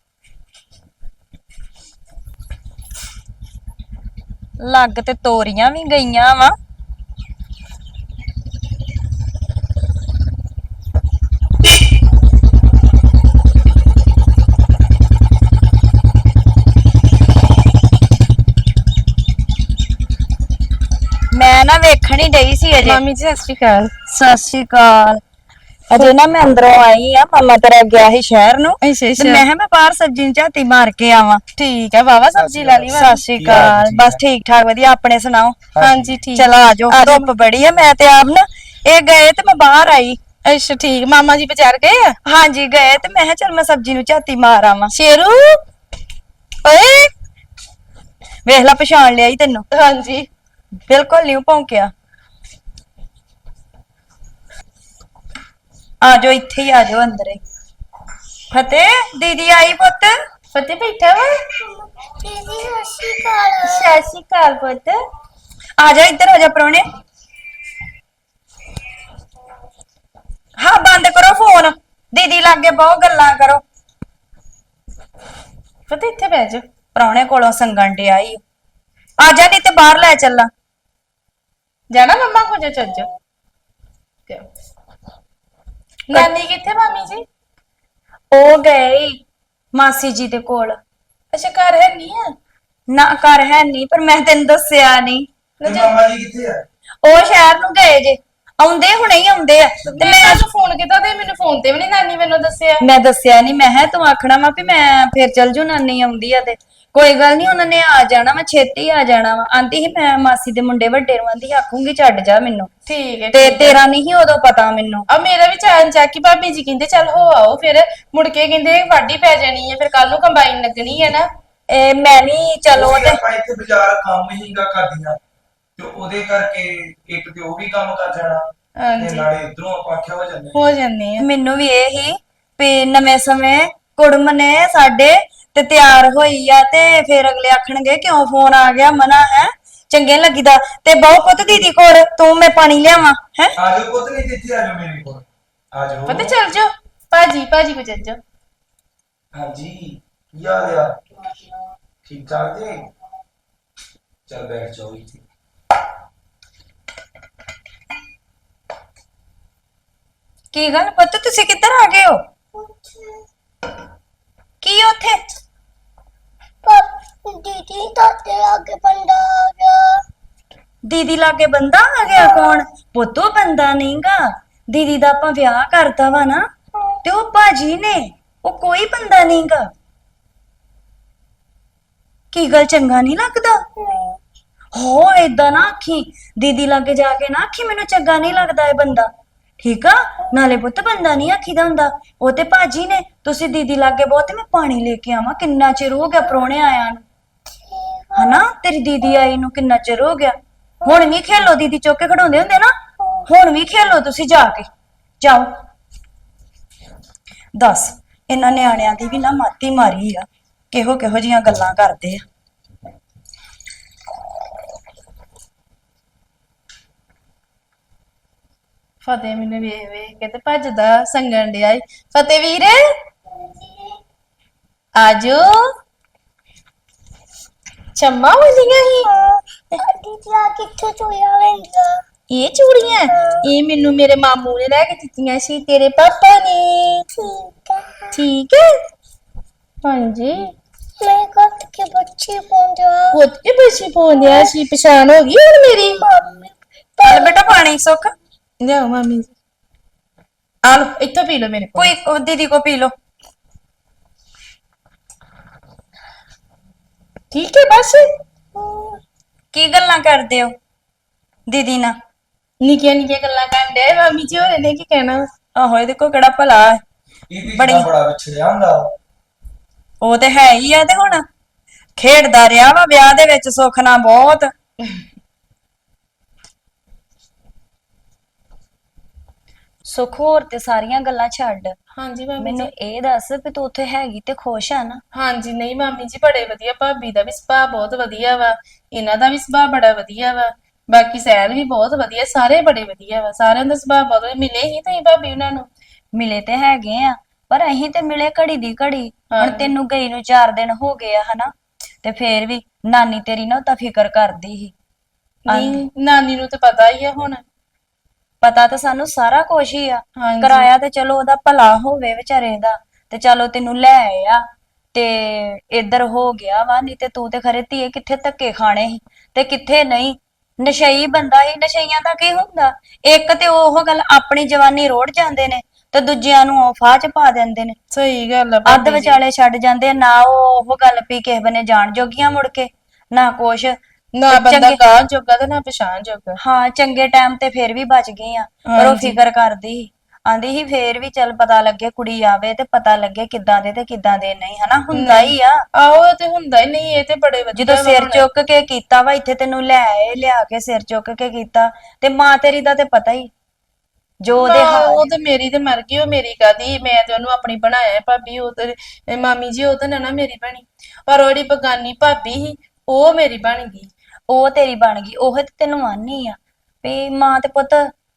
Speaker 3: ਲੱਗ ਤੇ ਤੋਰੀਆਂ ਵੀ ਗਈਆਂ ਵਾ। ਮੈਂ ਨਾ ਵੇਖਣ ਹੀ ਡਈ ਸੀ ਅਜੇ।
Speaker 2: ਮਾਮੀ ਜੀ ਸਤਿ ਸ਼੍ਰੀ ਅਕਾਲ।
Speaker 3: ਸਤਿ ਸ਼੍ਰੀ ਅਕਾਲ। ਅਜੇ ਨਾ ਮੈਂ ਅੰਦਰੋਂ ਆਈ ਆ, ਮਾਮਾ ਤੇਰਾ ਗਿਆ ਸੀ ਸ਼ਹਿਰ ਨੂੰ,
Speaker 2: ਅੱਛਾ
Speaker 3: ਤੇ ਮੈਂ ਕਿਹਾ ਮੈਂ ਬਾਹਰ ਸਬਜ਼ੀ ਨੂੰ ਝਾਤੀ ਮਾਰ ਕੇ ਆਵਾਂ।
Speaker 2: ਠੀਕ ਹੈ, ਵਾਵਾ ਸਬਜ਼ੀ ਲਾ ਲਈ
Speaker 3: ਸਤਿ ਸ਼੍ਰੀ ਅਕਾਲ। ਬਸ ਠੀਕ ਠਾਕ ਵਧੀਆ, ਆਪਣੇ ਸੁਣਾਓ?
Speaker 2: ਹਾਂਜੀ ਠੀਕ।
Speaker 3: ਚਲ ਆ ਜਾਓ, ਧੁੱਪ ਬੜੀ ਆ। ਮੈਂ ਤੇ ਆਪ ਨਾ ਇਹ ਗਏ ਤੇ ਮੈਂ ਬਾਹਰ ਆਈ।
Speaker 2: ਅੱਛਾ ਠੀਕ, ਮਾਮਾ ਜੀ ਬਾਜ਼ਾਰ ਗਏ ਆ?
Speaker 3: ਹਾਂਜੀ ਗਏ, ਤੇ ਮੈਂ ਕਿਹਾ ਚਲ ਮੈਂ ਸਬਜ਼ੀ ਨੂੰ ਝਾਤੀ ਮਾਰ ਆਵਾਂ।
Speaker 2: ਸ਼ੇਰੂ ਓਏ।
Speaker 3: ਵੇਖ ਲੈ, ਪਛਾਣ ਲਿਆ ਈ ਤੈਨੂੰ।
Speaker 2: ਹਾਂਜੀ
Speaker 3: ਬਿਲਕੁਲ ਨਹੀਂ ਭੌਂਕਿਆ। ਆ ਜਾਓ, ਇੱਥੇ ਹੀ ਆ ਜਾਓ, ਅੰਦਰ ਹੀ। ਫਤਿਹ ਦੀਦੀ ਆਈ ਪੁੱਤ।
Speaker 2: ਫਤਿਹ ਬੈਠਾ ਵਾ।
Speaker 7: ਦੀਦੀ ਸਤਿ ਸ਼੍ਰੀ ਅਕਾਲ।
Speaker 2: ਸਤਿ ਸ਼੍ਰੀ ਅਕਾਲ ਪੁੱਤ।
Speaker 3: ਆ ਜਾ, ਇੱਧਰ ਆ ਜਾ ਪ੍ਰਾਹੁਣੇ। ਹਾਂ ਬੰਦ ਕਰੋ ਫੋਨ, ਦੀਦੀ ਲਾਗੇ ਬਹੁਤ ਗੱਲਾਂ ਕਰੋ।
Speaker 2: ਫਤਿਹ ਇੱਥੇ ਬਹਿ ਜਾ।
Speaker 3: ਪ੍ਰਾਹੁਣੇ ਕੋਲੋਂ ਸੰਗਣ ਡਿਆ ਈ। ਆ ਜਾ, ਨਹੀਂ ਤੇ ਬਾਹਰ ਲੈ ਚੱਲਾਂ।
Speaker 2: ਜਾਣਾ ਮੰਮਾ ਕੋ, ਜਾ ਚੱਲ ਜਾ। ਨਾਨੀ ਕਿੱਥੇ ਮਾਮੀ ਜੀ?
Speaker 3: ਉਹ ਗਏ ਈ ਮਾਸੀ ਜੀ ਦੇ ਕੋਲ।
Speaker 2: ਅੱਛਾ ਘਰ ਹੈ ਨਹੀਂ ਆ?
Speaker 3: ਨਾ ਘਰ ਹੈ ਨਹੀਂ, ਪਰ ਮੈਂ ਤੈਨੂੰ ਦੱਸਿਆ ਨਹੀਂ।
Speaker 5: ਮਾਮਾ ਜੀ ਕਿੱਥੇ ਆ?
Speaker 3: ਉਹ ਸ਼ਹਿਰ ਨੂੰ ਗਏ ਜੇ, ਆਉਂਦੇ ਹੁਣੇ ਹੀ ਆਉਂਦੇ ਆ।
Speaker 2: ਤੇ ਮੈਂ ਤੁਹਾਨੂੰ ਫੋਨ ਕੀਤਾ ਤੇ ਮੈਨੂੰ ਫੋਨ ਤੇ ਵੀ ਨਹੀਂ ਨਾਨੀ ਮੈਨੂੰ ਦੱਸਿਆ।
Speaker 3: ਮੈਂ ਦੱਸਿਆ ਨਹੀਂ, ਮੈਂ ਕਿਹਾ ਤੂੰ ਆਖਣਾ ਵਾ ਵੀ ਮੈਂ ਫੇਰ ਚੱਲ ਜੂ, ਨਾਨੀ ਆਉਂਦੀ ਆ ਤੇ ਕੋਈ ਗੱਲ ਨਹੀਂ, ਉਹਨਾਂ ਨੇ ਆ ਜਾਣਾ ਵਾ, ਛੇਤੀ ਆ ਜਾਣਾ ਵਾ। ਆਂਦੀ ਸੀ ਮੈਂ ਮਾਸੀ ਦੇ ਮੁੰਡੇ ਵੱਡੇ ਨੂੰ ਆਂਦੀ ਆਖੂੰਗੀ ਛੱਡ ਜਾ ਮੈਨੂੰ,
Speaker 2: ਠੀਕ ਹੈ।
Speaker 3: ਤੇ ਤੇਰਾ ਨਹੀਂ ਸੀ ਉਦੋਂ ਪਤਾ ਮੈਨੂੰ।
Speaker 2: ਆ ਮੇਰਾ ਵੀ ਚਾਨ ਚੱਕ ਕਿ ਭਾਬੀ ਜੀ ਕਹਿੰਦੇ ਚੱਲ ਹੋ ਆਓ, ਫਿਰ ਮੁੜ ਕੇ ਕਹਿੰਦੇ ਵਾਢੀ ਪੈ ਜਾਣੀ ਹੈ, ਫਿਰ ਕੱਲ ਨੂੰ ਕੰਬਾਈਨ ਲੱਗਣੀ ਹੈ ਨਾ।
Speaker 3: ਇਹ ਮੈਂ ਵੀ ਚਲੋ ਤੇ
Speaker 5: ਆਪਾਂ ਇੱਥੇ ਬਾਜ਼ਾਰ ਕੰਮ ਹੀਗਾ ਕਰਦੀਆਂ, ਤੇ ਉਹਦੇ ਕਰਕੇ ਇੱਕ ਤੇ ਉਹ ਵੀ ਕੰਮ ਕਰ ਜਾਣਾ, ਤੇ
Speaker 2: ਹਾਂਜੀ
Speaker 5: ਨਾਲੇ ਇਧਰੋਂ ਆਪਾਂ ਆਖਿਆ ਹੋ ਜਾਂਦੇ।
Speaker 2: ਹੋ ਜਾਂਦੀ ਆ।
Speaker 3: ਮੈਨੂੰ ਵੀ ਇਹ ਹੀ ਵੀ ਨਵੇਂ ਸਮੇਂ ਕੁੜਮ ਨੇ ਸਾਡੇ ਤੇ ਤਿਆਰ ਹੋਈ ਆ, ਤੇ ਫਿਰ ਅਗਲੇ ਆਖਣਗੇ ਕਿਉਂ ਫੋਨ ਆ ਗਿਆ, ਮਨਾ ਹੈ ਚੰਗੇ ਨੀ ਲੱਗੀਦਾ। ਤੇ ਬਹੁਤ ਪੁੱਤ ਦੀਦੀ ਕੋਲ ਤੂੰ, ਮੈਂ ਪਾਣੀ ਲਿਆਵਾਂ ਹੈ।
Speaker 5: ਆ ਜਾਓ ਪੁੱਤ, ਨਹੀਂ ਤੇ ਇੱਥੇ ਆ ਜਾਓ ਮੇਰੇ ਕੋਲ, ਆ ਜਾਓ।
Speaker 2: ਪਤਾ ਚੱਲ ਜਾ ਭਾਜੀ ਕੋ ਚੱਲ ਜਾ।
Speaker 5: ਹਾਂਜੀ ਕੀ ਹਾਲ ਆ? ਠੀਕ ਠਾਕ ਜੀ? ਚੱਲ ਬੈਠ ਜਾਓ ਇੱਥੇ।
Speaker 3: ਕੀ ਗੱਲ ਪੁੱਤ, ਤੁਸੀਂ ਕਿੱਧਰ ਆ ਗਏ ਹੋ? ਕੀ ਉੱਥੇ?
Speaker 7: ਦੀਦੀ ਦਾਦੇ ਲਾਗੇ ਬੰਦਾ ਆ ਗਿਆ।
Speaker 3: ਦੀਦੀ ਲਾਗੇ ਬੰਦਾ ਆ ਗਿਆ? ਕੌਣ ਪੁੱਤ? ਉਹ ਬੰਦਾ ਨਹੀਂਗਾ, ਦੀਦੀ ਦਾ ਆਪਾਂ ਵਿਆਹ ਕਰਤਾ ਵਾ ਨਾ, ਤੇ ਉਹ ਭਾਜੀ ਨੇ, ਉਹ ਕੋਈ ਬੰਦਾ ਨਹੀਂਗਾ। ਕੀ ਗੱਲ, ਚੰਗਾ ਨਹੀਂ ਲੱਗਦਾ? ਹੋ ਏਦਾਂ ਨਾ ਆਖੀ, ਦੀਦੀ ਲਾਗੇ ਜਾ ਕੇ ਨਾ ਆਖੀ ਮੈਨੂੰ ਚੰਗਾ ਨਹੀਂ ਲੱਗਦਾ ਇਹ ਬੰਦਾ, ਠੀਕ ਆ? ਨਾਲੇ ਪੁੱਤ ਬੰਦਾ ਨਹੀਂ ਆਖੀਦਾ ਹੁੰਦਾ, ਉਹ ਤੇ ਭਾਜੀ ਨੇ। ਤੁਸੀਂ ਦੀਦੀ ਲਾਗੇ ਬਹੁਤ, ਮੈਂ ਪਾਣੀ ਲੈ ਕੇ ਆਵਾਂ, ਕਿੰਨਾ ਚਿਰ ਹੋ ਗਿਆ ਪ੍ਰਾਹੁਣੇ ਆਇਆ ਨੂੰ, ਹਨਾ? ਤੇਰੀ ਦੀਦੀ ਆਈ ਨੂੰ ਕਿੰਨਾ ਚਿਰ ਹੋ ਗਿਆ। ਹੁਣ ਵੀ ਖੇਲੋ, ਦੀਦੀ ਚੁੱਕ ਕੇ ਖੜਾਉਂਦੇ ਹੁੰਦੇ ਨਾ, ਹੁਣ ਵੀ ਖੇਲੋ ਤੁਸੀਂ ਜਾ ਕੇ, ਜਾਓ। ਦੱਸ, ਇਹਨਾਂ ਨਿਆਣਿਆਂ ਦੀ ਵੀ ਨਾ ਮਾਤੀ ਮਾਰੀ ਆ, ਕਿਹੋ ਕਿਹੋ ਜੀਆਂ ਗੱਲਾਂ ਕਰਦੇ ਆ।
Speaker 2: ਫਤਿਹ ਮੈਨੂੰ ਵੇਖ ਵੇਖ ਕੇ ਤੇ ਭੱਜਦਾ ਸੰਗਣ ਡਿਆ ਈ। ਫਤਿਹ ਵੀਰ ਆਜੋ। ਚੰਮਾ ਹੋਲੀਆਂ ਹੀ
Speaker 7: ਦੀਦੀ ਆ ਕਿੱਥੇ ਚੋਇਆ ਲੈਂਦਾ?
Speaker 2: ਇਹ ਚੂੜੀਆਂ ਇਹ ਮੈਨੂੰ ਮੇਰੇ ਮਾਮੂ ਨੇ ਲੈ ਕੇ ਦਿੱਤੀਆਂ ਸੀ, ਤੇਰੇ ਪਾਪਾ ਨੇ।
Speaker 7: ਠੀਕ ਹੈ।
Speaker 2: ਠੀਕ ਹੈ ਹਾਂਜੀ।
Speaker 7: ਮੈਂ ਕੱਟ ਕੇ ਬੱਚੇ ਪਾਉਂਦਾ।
Speaker 2: ਪੁੱਤ ਕੇ ਬੱਚੀ ਪਾਉਂਦਿਆ ਸੀ, ਪਛਾਣ ਹੋ ਗਈ ਹੁਣ ਮੇਰੀ?
Speaker 3: ਚੱਲ ਬੇਟਾ ਪਾਣੀ ਸੁੱਖ,
Speaker 2: ਲਿਆਓ ਮਾਮੀ, ਆ ਲੋ ਇੱਥੋਂ ਪੀ ਲਓ ਮੇਰੇ ਕੋਲ।
Speaker 3: ਕੋਈ ਦੀਦੀ ਕੋ ਪੀ ਲੋ।
Speaker 2: ਠੀਕ ਹੈ ਬਸ।
Speaker 3: ਕੀ ਗੱਲਾਂ ਕਰਦੇ ਹੋ ਦੀਦੀ ਨਾਲ?
Speaker 2: ਨਿੱਕੀਆਂ ਨਿੱਕੀਆਂ ਗੱਲਾਂ ਕਰਨ ਡਏ ਮਾਮੀ ਜੀ, ਹੋਰੇ ਨੇ ਕੀ ਕਹਿਣਾ?
Speaker 3: ਆਹੋ, ਇਹਦੇ ਕੋ ਕਿਹੜਾ ਭਲਾ ਹੈ?
Speaker 5: ਇਹ
Speaker 3: ਬੜੀ-
Speaker 5: ਵੀ ਬੜਾ ਵਿਛੜਿਆ ਹੁੰਦਾ।
Speaker 3: ਉਹ ਤੇ ਹੈ ਹੀ ਆ, ਤੇ ਹੁਣ ਖੇਡਦਾ ਰਿਹਾ ਵਾ ਵਿਆਹ ਦੇ ਵਿੱਚ ਸੁੱਖ ਨਾਲ ਬਹੁਤ। ਸੁੱਖ ਹੋਰ ਤੇ ਸਾਰੀਆਂ ਗੱਲਾਂ ਛੱਡ,
Speaker 2: ਹਾਂਜੀ ਮਾਮੀ
Speaker 3: ਮੈਨੂੰ
Speaker 2: ਜੀ।
Speaker 3: ਇਹ ਦੱਸ ਵੀ ਤੂੰ ਉੱਥੇ ਹੈਗੀ ਤੇ ਖੁਸ਼ ਆ ਨਾ?
Speaker 2: ਹਾਂਜੀ ਨਹੀਂ ਮਾਮੀ ਜੀ ਬੜੇ ਵਧੀਆ, ਭਾਬੀ ਦਾ ਵੀ ਸੁਭਾਅ ਬਹੁਤ ਵਧੀਆ ਵਾ, ਇਹਨਾਂ ਦਾ ਵੀ ਸੁਭਾਅ ਬੜਾ ਵਧੀਆ ਵਾ, ਬਾਕੀ ਸਹਿਲ ਵੀ ਬਹੁਤ ਵਧੀਆ, ਸਾਰੇ ਬੜੇ ਵਧੀਆ ਵਾ, ਸਾਰਿਆਂ ਦਾ ਸੁਭਾਅ ਬਹੁਤ ਵਧੀਆ। ਮਿਲੇ ਹੀ ਤੁਸੀਂ ਭਾਬੀ ਉਹਨਾਂ ਨੂੰ?
Speaker 3: ਮਿਲੇ ਤੇ ਹੈਗੇ ਆ, ਪਰ ਅਸੀਂ ਤੇ ਮਿਲੇ ਘੜੀ ਦੀ ਘੜੀ। ਹੁਣ
Speaker 2: ਹਾਂਜੀ।
Speaker 3: ਤੈਨੂੰ ਗਈ ਨੂੰ 4 ਦਿਨ ਹੋ ਗਏ ਆ ਹਨਾ, ਤੇ ਫੇਰ ਵੀ ਨਾਨੀ ਤੇਰੀ ਨਾ ਤਾਂ ਫਿਕਰ ਕਰਦੀ ਸੀ।
Speaker 2: ਨਹੀਂ ਨਾਨੀ ਨੂੰ ਤੇ ਪਤਾ ਹੀ ਆ ਹੁਣ।
Speaker 3: ਪਤਾ ਤਾਂ ਸਾਨੂੰ ਸਾਰਾ ਕੁਝ ਹੀ ਆ,
Speaker 2: ਹਾਂਜੀ।
Speaker 3: ਕਰਾਇਆ ਤੇ ਚਲੋ ਉਹਦਾ ਭਲਾ ਹੋਵੇ ਵਿਚਾਰੇ ਦਾ, ਤੇ ਚਲੋ ਤੈਨੂੰ ਲੈ ਆਇਆ ਤੇ ਇੱਧਰ ਹੋ ਗਿਆ ਵਾ, ਨਹੀਂ ਤੇ ਤੂੰ ਤੇ ਖਰੇ ਧੀਏ ਕਿੱਥੇ ਧੱਕੇ ਖਾਣੇ ਸੀ ਤੇ ਕਿੱਥੇ ਨਹੀਂ। ਨਸ਼ਈ ਬੰਦਾ ਹੀ, ਨਸ਼ਈਆਂ ਦਾ ਕੀ ਹੁੰਦਾ, ਇੱਕ ਤੇ ਉਹ ਗੱਲ ਆਪਣੀ ਜਵਾਨੀ ਰੋੜ ਜਾਂਦੇ ਨੇ ਤੇ ਦੂਜਿਆਂ ਨੂੰ ਉਹ ਫਾਹ ਚ ਪਾ ਦਿੰਦੇ ਨੇ,
Speaker 2: ਸਹੀ ਗੱਲ ਆ
Speaker 3: ਅੱਧ
Speaker 2: ਭਾਬੀ ਜੀ।
Speaker 3: ਵਿਚਾਲੇ ਛੱਡ ਜਾਂਦੇ ਆ, ਨਾ ਉਹ ਗੱਲ ਵੀ ਕਿਸੇ ਬਨੇ ਜਾਣ ਜੋਗੀਆਂ ਮੁੜ ਕੇ, ਨਾ ਕੁਛ।
Speaker 2: ਨਾ
Speaker 3: ਤੇ
Speaker 2: ਬੰਦਾ
Speaker 3: ਚੰਗੇ
Speaker 2: ਗਾਂ ਜੋਗਾ ਤੇ ਨਾ ਪਛਾਣ ਜੋਗਾ।
Speaker 3: ਹਾਂ ਚੰਗੇ ਟਾਈਮ ਤੇ ਫੇਰ ਵੀ ਬਚ ਗਏ ਆ, ਪਰ ਉਹ
Speaker 2: ਹਾਂਜੀ।
Speaker 3: ਫਿਕਰ ਕਰਦੀ ਸੀ, ਆਂਦੀ ਸੀ ਫੇਰ ਵੀ ਚੱਲ ਪਤਾ ਲੱਗੇ ਕੁੜੀ ਆਵੇ ਤੇ ਪਤਾ ਲੱਗੇ ਕਿੱਦਾਂ ਦੇ ਤੇ ਕਿੱਦਾਂ ਦੇ ਨਹੀਂ, ਹਨਾ ਹੁੰਦਾ ਹੀ ਆ।
Speaker 2: ਆਹੋ ਇਹ ਤੇ ਹੁੰਦਾ ਹੀ ਨਹੀਂ, ਇਹ ਤੇ ਬੜੇ ਵਧੀਆ
Speaker 3: ਜਦੋਂ
Speaker 2: ਵਾ
Speaker 3: ਸਿਰ
Speaker 2: ਹੁਣ।
Speaker 3: ਚੁੱਕ ਕੇ ਕੀਤਾ ਵਾ ਇੱਥੇ ਤੈਨੂੰ ਲੈ ਆਏ, ਲਿਆ ਕੇ ਸਿਰ ਚੁੱਕ ਕੇ ਕੀਤਾ, ਤੇ ਮਾਂ ਤੇਰੀ ਦਾ ਤੇ ਪਤਾ ਹੀ ਜੋ ਉਹਦੇ
Speaker 2: ਮਾਂ
Speaker 3: ਹਾਲ
Speaker 2: ਉਹ ਤੇ ਮੇਰੀ ਤੇ ਮਰ ਗਈ, ਉਹ ਮੇਰੀ ਕਾਦੀ, ਮੈਂ ਤੇ ਉਹਨੂੰ ਆਪਣੀ ਬਣਾਇਆ ਭਾਬੀ। ਉਹ ਤੇ ਮਾਮੀ ਜੀ ਉਹ ਤੇ ਨਾ ਮੇਰੀ ਬਣੀ, ਪਰ ਉਹਦੀ ਬਗਾਨੀ ਭਾਬੀ ਸੀ ਉਹ ਮੇਰੀ ਬਣ ਗਈ।
Speaker 3: ਉਹ ਤੇਰੀ ਬਣ ਗਈ, ਉਹ ਤੇ ਤੈਨੂੰ ਆਨੀ ਆ ਵੀ ਮਾਂ ਤੇ ਪੁੱਤ